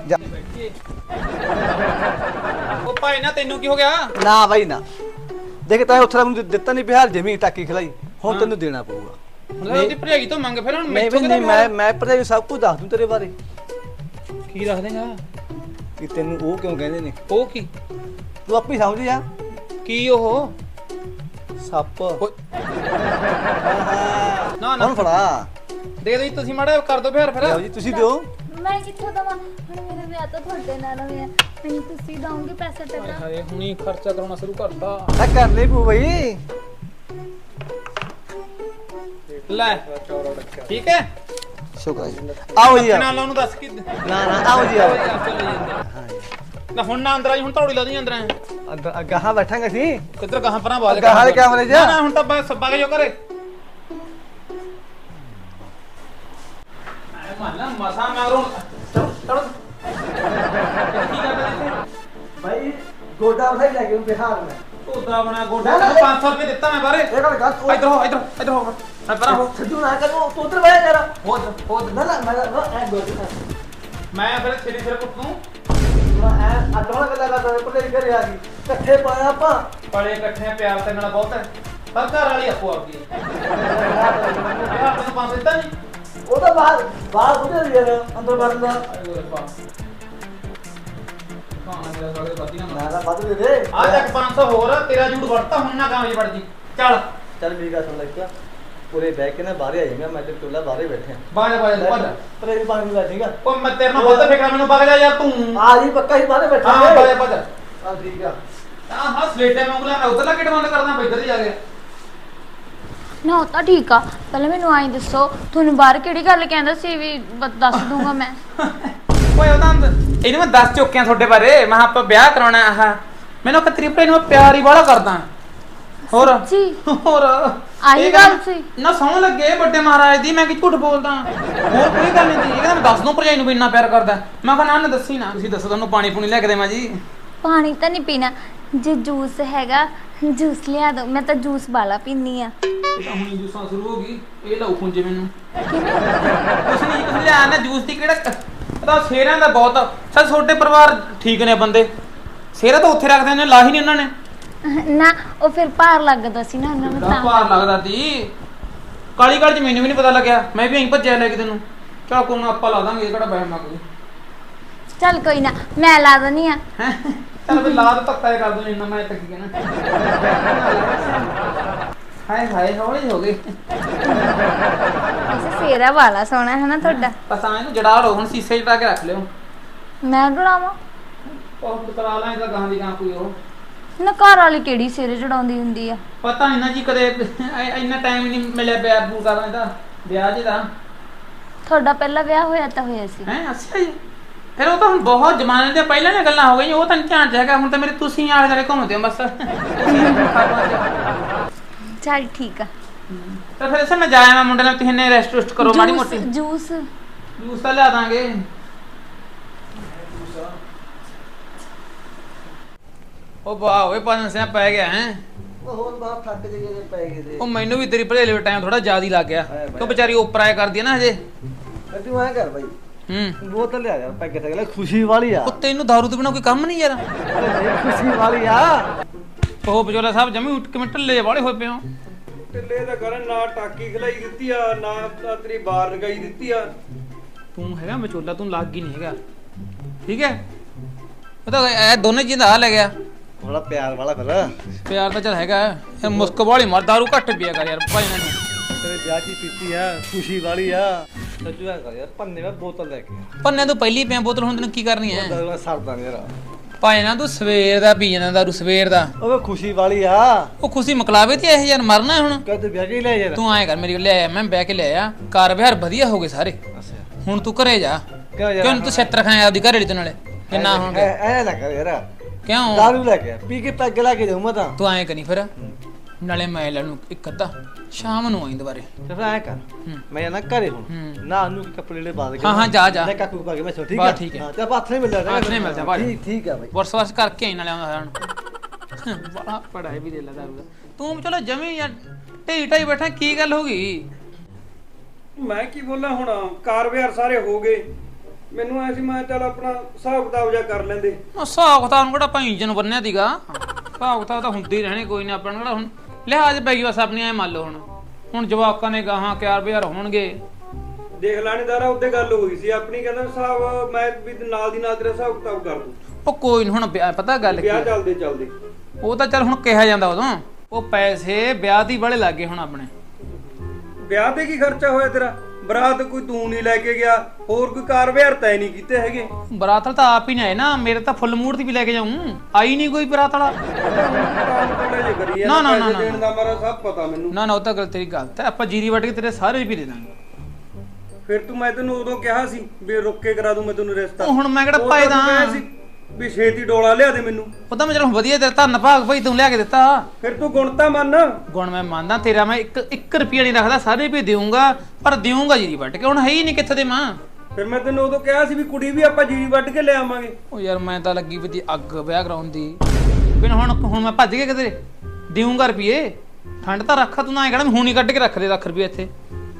S1: ਉਹ ਭਾਈ ਨਾ ਤੈਨੂੰ ਕੀ ਹੋ ਗਿਆ
S5: ਨਾ ਭਾਈ ਨਾ ਦੇਖ ਤਾਂ ਉੱਥੇ ਮੈਨੂੰ ਦਿੱਤਾ ਨਹੀਂ ਬਿਹਾਰ ਜ਼ਮੀਨ ਟਾਕੀ ਖਲਾਈ ਹੁਣ ਤੈਨੂੰ ਦੇਣਾ ਪਊਗਾ
S1: ਮਤਲਬ ਉਹਦੀ ਭਰਜਾਈ ਤੋਂ ਮੰਗ ਫਿਰ ਹੁਣ
S5: ਨਹੀਂ
S1: ਮੈਥੋਂ
S5: ਨਹੀਂ ਮੈਂ ਪਤਾ ਸਭ ਕੁਝ ਦੱਸ ਦੂੰ ਤੇਰੇ ਬਾਰੇ
S1: ਕੀ ਰੱਖ ਦੇਗਾ
S5: ਕਿ ਤੈਨੂੰ ਉਹ ਕਿਉਂ ਕਹਿੰਦੇ ਨੇ
S1: ਉਹ ਕੀ
S5: ਤੂੰ ਆਪੇ ਸਮਝ ਜਾ
S1: ਕੀ ਉਹ
S5: ਸੱਪ
S1: ਨਾ ਨਾ
S5: ਹੁਣ ਫੜਾ
S1: ਦੇ ਦੋ ਜੀ ਤੁਸੀਂ ਮਾੜਾ ਕਰ ਦੋ ਫਿਰ
S5: ਲਓ ਜੀ ਤੁਸੀਂ ਦਿਓ
S3: ਮੈਂ ਕਿੱਥੋਂ ਦਵਾਂ ਹੁਣ ਮੇਰਾ ਵਿਆਹ ਤਾਂ ਤੁਹਾਡੇ ਨਾਲ ਹੋਇਆ ਮੈਨੂੰ ਤੁਸੀਂ ਦੋਗੇ ਪੈਸੇ ਟਕਾ
S1: ਹਾਏ ਹੁਣੀ ਖਰਚਾ ਕਰਾਉਣਾ ਸ਼ੁਰੂ ਕਰਤਾ
S5: ਆ ਕਰ ਲੈ ਪੂ ਬਈ
S1: ਲੈ ਠੀਕ ਹੈ
S5: ਸ਼ੁਕਰ ਹੈ ਜੀ। ਆਓ ਜੀ
S1: ਨਾਲ ਉਹਨੂੰ ਦੱਸ ਕਿ
S5: ਨਾ ਨਾ ਆਓ ਜੀ ਆਓ
S1: ਚਲੋ ਜੀ ਅੰਦਰ ਨਾ ਹੁਣ ਨਾ ਅੰਦਰ ਆਈ ਹੁਣ ਧੌੜੀ ਲਾ ਦੀ ਅੰਦਰ ਆ
S5: ਅੰਦਰ ਗਾਹਾਂ ਬੈਠਾਂਗੇ ਸੀ
S1: ਕਿੱਧਰ ਗਾਹਾਂ ਪਰਾਂ ਬਾਜ
S5: ਗਾਹਾਂ ਵਾਲੇ ਕਮਰੇ 'ਚ?
S1: ਨਾ ਹੁਣ ਤਾਂ ਬਸ ਬਾਗ ਜੋ ਕਰੇ ਮਾਲਾ ਮਸਾ ਮਾਰੋ ਚਲੋ ਕੀ ਕਰਦਾ ਇੱਥੇ
S5: ਭਾਈ ਗੋਡਾ ਉਠਾਈ ਲੈ ਕੇ ਬਿਹਾਰ ਮੈਂ
S1: ਢੋਦਾ ਬਣਾ ਗੋਡਾ 500 ਰੁਪਏ ਦਿੱਤਾ ਮੈਂ ਬਾਰੇ
S5: ਇਹ ਗੱਲ ਗੱਲ
S1: ਇੱਧਰ ਹੋ ਮੈਂ ਪਰਾਂ ਹੋ
S5: ਛੱਡੂ ਨਾ ਕਰੋ ਤੂੰ ਉਧਰ ਬਹਿ ਜਰਾ
S1: ਹੋ
S5: ਨਾ ਨਾ ਮੈਂ ਐ ਗੋਡਾ
S1: ਮੈਂ ਫਿਰ ਛੇੜੀ ਸਿਰ ਕੁੱਟੂ
S5: ਐ ਅੱਡੋਂ ਗੱਲਾਂ ਕਰਦਾ ਕੋਲੇ ਘਰੇ ਆ ਗਈ ਇਕੱਠੇ ਪਾਇਆ ਆਪਾਂ
S1: ਬੜੇ ਇਕੱਠੇ ਪਿਆਰ ਤੇ ਨਾਲ ਬਹੁਤ ਹੈ ਪਰ ਘਰ ਵਾਲੀ ਆਪੋ ਆਪਦੀ ਯਾਰ ਤੈਨੂੰ 500 ਦਿੱਤਾ ਨਹੀਂ
S5: ਉਹ ਤਾਂ ਬਾਹਰ ਉਹਦੇ ਯਾਰ ਅੰਦਰ ਵੜਨ ਦਾ
S1: ਆਏ ਓਏ ਪਾ ਮੇਰਾ ਸਾਲੇ ਬਾਤੀ ਨਾ
S5: ਮੈਂ ਤਾਂ ਵੱਧ ਦੇ ਦੇ
S1: ਆ ਚੱਕ 500 ਹੋਰ ਤੇਰਾ ਜੂੜ ਵੜਤਾ ਹੁਣ ਨਾ ਕਾਮਜ ਵੜ ਜੀ ਚੱਲ
S5: ਚੱਲ ਮੇਰੀ ਗੱਲ ਸੁਣ ਲੈ ਇੱਕ ਪੂਰੇ ਬਹਿ ਕੇ ਨਾ ਬਾਹਰ ਆ ਜਾਏਗਾ ਮੈਂ ਤੇ ਟੋਲਾ ਬਾਹਰੇ ਬੈਠੇ
S1: ਬਾਜ ਭੱਜ
S5: ਪਰ ਇਹ ਪਾਣੀ ਲੈ ਜਾਏਗਾ
S1: ਉਹ ਮੈਂ ਤੇਰੇ ਨਾਲ ਬਹੁਤ ਫਿਕਰ ਮੈਨੂੰ ਵਗ ਜਾ ਯਾਰ ਤੂੰ
S5: ਆ ਜੀ ਪੱਕਾ ਹੀ ਬਾਹਰੇ ਬੈਠਾ
S1: ਹਾਂ ਭੱਜ
S5: ਆ ਠੀਕ ਆ
S1: ਹਾਂ ਸਵੇਟੇ ਮੰਗਲਾ ਮੈਂ ਉਧਰਲਾ ਕਿਟ ਬੰਦ ਕਰਦਾ ਮੈਂ ਇੱਧਰ ਹੀ ਜਾ ਕੇ
S3: ਨਾ ਉਹ ਤਾਂ ਠੀਕ ਆ ਪਹਿਲਾਂ ਮੈਨੂੰ ਆਈ ਦੱਸੋ ਤੁਹਾਨੂੰ ਬਾਹਰ ਕਿਹੜੀ ਗੱਲ ਕਹਿੰਦਾ ਸੀ ਵੀ ਦੱਸ ਦੂੰਗਾ ਮੈਂ
S1: ਓਏ ਉਹਦਾ ਇਹਨੂੰ ਮੈਂ ਦੱਸ ਚੁੱਕਿਆ ਤੁਹਾਡੇ ਬਾਰੇ ਮੈਂ ਕਿਹਾ ਆਪਾਂ ਵਿਆਹ ਕਰਾਉਣਾ ਆਹ ਮੈਨੂੰ ਕਤਰੀ ਭਰੇ ਨੂੰ ਪਿਆਰ ਹੀ ਬਾਹਲਾ ਕਰਦਾ ਹੋਰ
S3: ਜੀ
S1: ਹੋਰ
S3: ਆਹੀ
S1: ਇਹ
S3: ਗੱਲ ਸੀ
S1: ਨਾ ਸੌਣ ਲੱਗੇ ਵੱਡੇ ਮਹਾਰਾਜ ਦੀ ਮੈਂ ਕਿ ਝੂਠ ਬੋਲਦਾ ਹੋਰ ਕੋਈ ਗੱਲ ਨਹੀਂ ਇਹ ਕਹਿੰਦਾ ਮੈਂ ਦੱਸ ਦੂੰ ਭਰਜਾਈ ਨੂੰ ਵੀ ਇੰਨਾ ਪਿਆਰ ਕਰਦਾ ਮੈਂ ਕਿਹਾ ਨਾ ਦੱਸੀ ਨਾ ਤੁਸੀਂ ਦੱਸੋ ਤੁਹਾਨੂੰ ਪਾਣੀ ਪੂਣੀ ਲੈ ਕੇ ਦੇਵਾਂ ਜੀ
S3: ਪਾਣੀ ਤਾਂ ਨਹੀਂ ਪੀਣਾ ਜੇ ਜੂਸ ਹੈਗਾ ਜੂਸ ਲਿਆ ਦੋ ਮੈਂ ਤਾਂ ਜੂਸ ਵਾਲਾ ਪੀਨੀ ਆ
S1: ਇਹ ਤਾਂ ਹੁਣੀ ਜੂਸਾਂ ਸ਼ੁਰੂ ਹੋ ਗਈ ਇਹ ਲਾਉ ਖੁੰਜੇ ਮੈਨੂੰ
S3: ਕਿਵੇਂ
S1: ਕੁਛ ਨਹੀਂ ਕੁਛ ਲਿਆ ਨਾ ਜੂਸ ਦੀ ਕਿਹੜਾ ਇਹਦਾ ਸ਼ੇਰਾਂ ਦਾ ਬਹੁਤ ਸਰ ਛੋਟੇ ਪਰਿਵਾਰ ਠੀਕ ਨੇ ਬੰਦੇ ਸ਼ੇਰਾ ਤਾਂ ਉੱਥੇ ਰੱਖਦੇ ਨੇ ਲਾਹੀ ਨਹੀਂ ਉਹਨਾਂ ਨੇ
S3: ਨਾ ਉਹ ਫਿਰ ਭਾਰ ਲੱਗਦਾ ਸੀ ਨਾ ਉਹਨਾਂ ਨੂੰ
S1: ਦਾ
S3: ਤਾਂ
S1: ਭਾਰ ਲੱਗਦਾ ਸੀ ਕਾਲੀ ਕਾਲੀ ਚ ਮੈਨੂੰ ਵੀ ਨਹੀਂ ਪਤਾ ਲੱਗਿਆ ਮੈਂ ਵੀ ਐਂ ਭੱਜਿਆ ਲੈ ਕੇ ਤੈਨੂੰ ਚਾ ਕੋਣ ਆਪਾਂ ਲਾ ਦਾਂਗੇ ਇਹ ਕਿਹੜਾ ਬਹਿਮ ਆ ਕੋਈ
S3: ਚੱਲ ਕੋਈ ਨਾ ਮੈਂ ਲਾ ਦਨੀ ਆ
S1: ਹੈਂ? ਚੱਲ ਵੀ ਲਾਦ ਧੱਕਾ ਕਰ ਦੂੰ ਇੰਨਾ ਮੈਂ ਤੱਕ ਗਿਆ ਨਾ ਹਾਏ ਹਾਏ ਹੌਲੀ ਹੋ ਗਈ
S3: ਐਸੇ ਸੇਰਾ ਵਾਲਾ ਸੋਹਣਾ ਹੈ ਨਾ ਤੁਹਾਡਾ
S1: ਬਸ ਆ ਇਹਨੂੰ ਜੜਾ ਲਓ ਹੁਣ ਸੀਸੇ 'ਚ ਪਾ ਕੇ ਰੱਖ ਲਿਓ
S3: ਮੈਂ ਡਰਾਵਾਂ
S1: ਉਹ ਕਰਾ ਲਾਂ ਇਹਦਾ ਗਾਂ ਦੀ ਗਾਂ ਕੋਈ ਉਹ
S3: ਨਾ ਘਰ ਵਾਲੀ ਕਿਹੜੀ ਸਿਰੇ ਚੜਾਉਂਦੀ ਹੁੰਦੀ ਆ
S1: ਪਤਾ ਨਹੀਂ ਨਾ ਜੀ ਕਦੇ ਇੰਨਾ ਟਾਈਮ ਨਹੀਂ ਮਿਲਿਆ ਵਿਆਹ ਬੂ ਕਰਨ ਦਾ ਵਿਆਹ ਜੀ ਦਾ
S3: ਤੁਹਾਡਾ ਪਹਿਲਾ ਵਿਆਹ ਹੋਇਆ ਤਾਂ ਹੋਇਆ ਸੀ
S1: ਹੈ ਅੱਛਾ ਜੀ ਫਿਰ ਉਹ ਤਾਂ ਹੁਣ ਬਹੁਤ ਜ਼ਮਾਨੇ ਦੇ ਪਹਿਲਾਂ ਦੀਆਂ ਗੱਲਾਂ ਹੋ ਗਈਆਂ ਉਹ ਤਾਂ ਨਹੀਂ ਧਿਆਨ ਚ ਹੈਗਾ ਹੁਣ ਤਾਂ ਮੇਰੇ ਤੁਸੀਂ ਆਲੇ ਦੁਆਲੇ ਘੁੰਮਦੇ ਹੋ ਬਸ
S3: ਚੱਲ ਠੀਕ ਆ
S1: ਤਾਂ ਫਿਰ ਮੈਂ ਜਾਇਆ ਮੈਂ ਮੁੰਡੇ ਨਾਲ ਤੁਸੀਂ ਨੇ ਰੈਸਟ ਰੁਸਟ ਕਰੋ ਮਾੜੀ ਮੋਟੀ
S3: ਜੂਸ
S1: ਜੂਸ ਤਾਂ ਲਿਆ ਦਾਂਗੇ ਉਹ ਵਾਹ ਓਏ ਪੰਜ ਸਿਆ ਪੈ ਗਿਆ ਹੈ
S5: ਉਹ ਹੋਰ ਬਾਹਰ ਥੱਕ ਜੇ ਪੈ ਗਏ ਤੇ
S1: ਉਹ ਮੈਨੂੰ ਵੀ ਤੇਰੀ ਭੜੇਲੇ ਵਿੱਚ ਟਾਈਮ ਥੋੜਾ ਜ਼ਿਆਦਾ ਹੀ ਲੱਗ ਗਿਆ ਕਿਉਂ ਵਿਚਾਰੀ ਉੱਪਰ ਆਇਆ ਕਰਦੀ ਹੈ ਨਾ ਹਜੇ
S5: ਤੂੰ ਐ ਕਰ ਬਾਈ
S1: ਹੂੰ
S5: ਬੋਤਲ ਲਿਆ ਯਾਰ ਪੈਕੇ ਤੇ ਖੁਸ਼ੀ ਵਾਲੀ ਆ
S1: ਉਹ ਤੈਨੂੰ ਦਾਰੂ ਤੋਂ ਬਿਨਾ ਕੋਈ ਕੰਮ ਨਹੀਂ ਯਾਰ
S5: ਖੁਸ਼ੀ ਵਾਲੀ ਆ
S1: ਉਹ ਬਜੋਲਾ ਸਾਹਿਬ ਜਮੀ ਉੱਠ ਕੇ ਢਿੱਲੇ ਵਾਲੇ ਹੋਏ ਪਏ ਹੋ
S6: ਢਿੱਲੇ ਦਾ ਕਰਨ ਨਾ ਟਾਕੀ ਖਲਾਈ ਦਿੱਤੀ ਆ ਨਾ ਤੇਰੀ ਬਾਰ ਲਗਾਈ ਦਿੱਤੀ ਆ
S1: ਤੂੰ ਹੈਗਾ ਵਿਚੋਲਾ ਤੂੰ ਲੱਗ ਹੀ ਨਹੀਂ ਹੈਗਾ ਠੀਕ ਹੈ ਉਹ ਤਾਂ ਇਹ ਦੋਨੇ ਜੀ ਦਾ ਹਾਲ ਹੈ ਗਿਆ
S5: ਥੋੜਾ ਪਿਆਰ ਵਾਲਾ ਫਿਰ
S1: ਪਿਆਰ ਤਾਂ ਚੱਲ ਹੈਗਾ ਯਾਰ ਮੁਸਕ ਵਾਲੀ ਮਰ ਦਾਰੂ ਘੱਟ ਪੀਆ ਕਰ ਯਾਰ ਭਾਈ ਨੇ
S5: ਤੇਰੇ ਵਿਆਹ ਦੀ ਪੀਤੀ ਆ ਖੁਸ਼ੀ ਵਾਲੀ ਆ ਸੱਜੂ ਆ ਕਰ ਯਾਰ ਪੰਨੇ ਮੈਂ ਬੋਤਲ ਲੈ ਕੇ
S1: ਪੰਨੇ ਤੋਂ ਪਹਿਲੀ ਪਿਆ ਬੋਤਲ ਹੁਣ ਤੈਨੂੰ ਕੀ ਕਰਨੀ ਹੈ
S5: ਦਾਰੂ ਸਰਦਾ ਯਾਰ
S1: ਭਾਈ ਨਾ ਤੂੰ ਸਵੇਰ ਦਾ ਪੀ ਜਾਂਦਾ ਦਾਰੂ ਸਵੇਰ ਦਾ
S5: ਉਹ ਖੁਸ਼ੀ ਵਾਲੀ ਆ
S1: ਉਹ ਖੁਸ਼ੀ ਮਕਲਾਵੇ ਤੇ ਇਹ ਯਾਰ ਮਰਨਾ ਹੈ ਹੁਣ
S5: ਕਦ ਵਿਆਹ ਕੇ ਲੈ ਯਾਰ
S1: ਤੂੰ ਆਏ ਕਰ ਮੇਰੀ ਕੋਲ ਲੈ ਆ ਮੈਂ ਬਹਿ ਕੇ ਲੈ ਆ ਕਾਰ ਵਿਹਾਰ ਵਧੀਆ ਹੋ ਗਏ ਸਾਰੇ
S5: ਅੱਛਾ
S1: ਹੁਣ ਤੂੰ ਘਰੇ ਜਾ
S5: ਕਿਉਂ ਯਾਰ
S1: ਕਿਉਂ ਤੂੰ ਛੇਤਰ ਖਾਇਆ ਆਪਦੀ ਘਰੇ ਤੇ ਨਾਲੇ ਕਿੰਨਾ ਹੋਣਗੇ
S5: ਐ ਨਾ ਕਰ ਯਾਰ
S1: ਕਿਉਂ
S5: ਦਾਰੂ ਲੈ ਕੇ ਪੀ ਕੇ ਪੈਗ ਲਾ ਕੇ ਜਾਉ ਮੈਂ ਤਾਂ
S1: ਤੂੰ ਆਏ ਕਰੀ ਫਿਰ ਨਾਲੇ ਮੈਂ ਲੈ ਨੂੰ ਇੱਕ ਅੱਧਾ ਸ਼ਾਮ ਨੂੰ ਆਈ ਦੁਬਾਰੇ
S5: ਤੇ ਫਿਰ ਐ ਕਰ ਮੈਂ ਨਾ ਘਰੇ ਹੁਣ
S1: ਹੂੰ।
S5: ਨਾ ਨੂੰ ਕੱਪੜੇ ਲੈ ਬਾਦ ਕੇ
S1: ਹਾਂ, ਹਾਂ, ਜਾ।
S5: ਮੈਂ ਕਾਕੂ ਪਾ ਕੇ ਮੈਂ ਠੀਕ
S1: ਬਸ
S5: ਆ
S1: ਠੀਕ ਹੈ।
S5: ਹਾਂ ਤੇ ਆਪਾਂ ਹੱਥ ਨਹੀਂ ਮਿਲਦਾ
S1: ਹੱਥ ਨਹੀਂ ਮਿਲਦਾ ਭਾਈ।
S5: ਠੀਕ ਆ ਬਾਈ
S1: ਵਰਸ ਕਰਕੇ ਆਈ ਨਾਲੇ ਆਉਂਦਾ ਹੁਣ ਬੜਾ ਪੜਾਈ ਵੀ ਦੇ ਲੈ ਦਾਰੂ ਦਾ ਤੂੰ ਚਲੋ ਜਮੀ ਯਾਰ ਢੇਈ ਢਾਈ ਬੈਠਾ ਕੀ ਗੱਲ ਹੋ ਗਈ
S6: ਮੈਂ ਕੀ ਬੋਲਾਂ ਹੁਣ ਕਾਰ ਵਿਹਾਰ ਸਾਰੇ ਹੋ ਗਏ ਮੈਨੂੰ ਐ ਸੀ ਮੈਂ ਚੱਲ ਆਪਣਾ ਹਿਸਾਬ ਕਿਤਾਬ ਜਾ ਕਰ ਲੈਂਦੇ
S1: ਉਹ ਹਿਸਾਬ ਕਿਤਾਬ ਨੂੰ ਕਿਹੜਾ ਭਾਈ ਇੰਜਨ ਬੰਨਿਆ ਸੀਗਾ ਹਿਸਾਬ ਕਿਤਾਬ ਤਾਂ ਹੁੰਦੇ ਹੀ ਰਹਿਣੇ ਕੋਈ ਨਾ ਆਪਣਾ ਕਿਹੜਾ ਹੁਣ ਲਿਹਾਜ਼ ਪੈ ਗਈ ਬਸ ਆਪਣੀ ਐ ਮੰਨ ਲਓ ਹੁਣ ਜਵਾਕਾਂ ਨੇ ਗਾਹਾਂ ਕਿਆਰ ਬਿਹਾਰ ਹੋਣਗੇ
S6: ਦੇਖ ਲਾਣੇਦਾਰਾ ਉੱਤੇ ਗੱਲ ਹੋਈ ਸੀ ਆਪਣੀ ਕਹਿੰਦਾ ਹਿਸਾਬ ਮੈਂ ਵੀ ਨਾਲ ਦੀ ਨਾਲ ਤੇਰਾ ਹਿਸਾਬ ਕਿਤਾਬ ਕਰ ਦੂੰ
S1: ਉਹ ਕੋਈ ਨੀ ਹੁਣ ਪਤਾ ਗੱਲ ਕੀ
S6: ਵਿਆਹ
S1: ਆ?
S6: ਚੱਲਦੇ ਚੱਲਦੇ
S1: ਉਹ ਤਾਂ ਚੱਲ ਹੁਣ ਕਿਹਾ ਜਾਂਦਾ ਉਦੋਂ ਉਹ ਪੈਸੇ ਵਿਆਹ ਦੀ ਬੜੇ ਲੱਗੇ ਹੁਣ ਆਪਣੇ
S6: ਵਿਆਹ ਤੇ ਕੀ ਖਰਚਾ ਹੋਇਆ ਤੇਰਾ ਬਰਾਤ ਕੋਈ ਤੂੰ ਨਹੀਂ ਲੈ ਕੇ ਗਿਆ ਹੋਰ ਕੋਈ ਕਾਰ ਵਿਹਾਰ ਤੈ ਨਹੀਂ ਕੀਤੇ ਹੈਗੇ
S1: ਬਰਾਤ ਵਾਲਾ ਤਾਂ ਆਪ ਹੀ ਨਹੀਂ ਆਏ ਨਾ ਮੇਰੇ ਤਾਂ ਫੁੱਲ ਮੂਡ ਦੀ ਵੀ ਲੈ ਕੇ ਜਾਊਂ ਆਈ ਨਹੀਂ ਕੋਈ ਬਰਾਤ ਵਾਲਾ ਨਾ, ਨਾ, ਨਾ, ਨਾ।
S6: ਦੇਣ ਦਾ ਮਾਰਾ ਸਭ ਪਤਾ ਮੈਨੂੰ
S1: ਨਾ ਉਹ ਤਾਂ ਗੱਲ ਤੇਰੀ ਗਲਤ ਹੈ ਆਪਾਂ ਜੀਰੀ ਵੱਟ ਕੇ ਤੇਰੇ ਸਾਰੇ ਵੀ ਦੇ ਦਾਂਗੇ
S6: ਫਿਰ ਤੂੰ ਮੈਂ ਤੈਨੂੰ ਉਦੋਂ ਕਿਹਾ ਸੀ ਵੀ ਰੁੱਕ ਕੇ ਕਰਾ ਦੂੰ ਮੈਂ ਤੈਨੂੰ ਰਿਸ਼ਤਾ
S1: ਉਹ ਹੁਣ ਮੈਂ ਕਿਹੜਾ
S6: ਉਦੋਂ
S1: ਪਾਇਦਾ
S6: ਤੂੰ ਕਿਹਾ ਸੀ ਵੀ ਛੇਤੀ ਡੋਲਾ ਲਿਆ ਦੇ ਮੈਨੂੰ
S1: ਉਹ ਤਾਂ ਮੈਂ ਚਲੋ ਵਧੀਆ ਤੇਰਾ ਧੰਨ ਭਾਗ ਭਾਈ ਤੂੰ ਲਿਆ ਕੇ ਦਿੱਤਾ
S6: ਫਿਰ ਤੂੰ ਗੁਣ ਤਾਂ ਮੰਨ
S1: ਗੁਣ ਮੈਂ ਮੰਨਦਾ ਤੇਰਾ ਮੈਂ 1 ਰੁਪਿਆ ਨਹੀਂ ਰੱਖਦਾ ਸਾਰੇ ਵੀ ਦੇਊਂਗਾ ਪਰ ਦੇਊਂਗਾ ਜੀਰੀ ਵੱਟ ਕੇ ਹੁਣ ਹੈ ਹੀ ਨਹੀਂ ਕਿੱਥੇ ਦੇ ਮਾਂ
S6: ਫਿਰ ਮੈਂ ਤੈਨੂੰ ਉਦੋਂ ਕਿਹਾ ਸੀ ਵੀ ਕੁੜੀ ਵੀ ਆਪਾਂ ਜੀਰੀ ਵੱਢ ਕੇ ਲੈ ਆਵਾਂਗੇ
S1: ਉਹ ਯਾਰ ਮੈਂ ਤਾਂ ਲੱਗੀ ਵੀ ਅੱਗ ਵਿਆਹ ਕਰਾਉਣ ਦੀ ਬਿਨ ਹੁਣ ਮੈਂ ਭੱਜ ਗਿਆ ਕਿਤੇ ਦੇਊਂਗਾ ਰੁਪਏ ਠੰਡ ਤਾਂ ਰੱਖਾ ਤੂੰ ਨਾ ਐ ਕਹਿਣਾ ਹੁਣ ਹੀ ਕੱਢ ਕੇ ਰੱਖ ਦੇ ਲੱਖ ਰੁਪਏ ਇੱਥੇ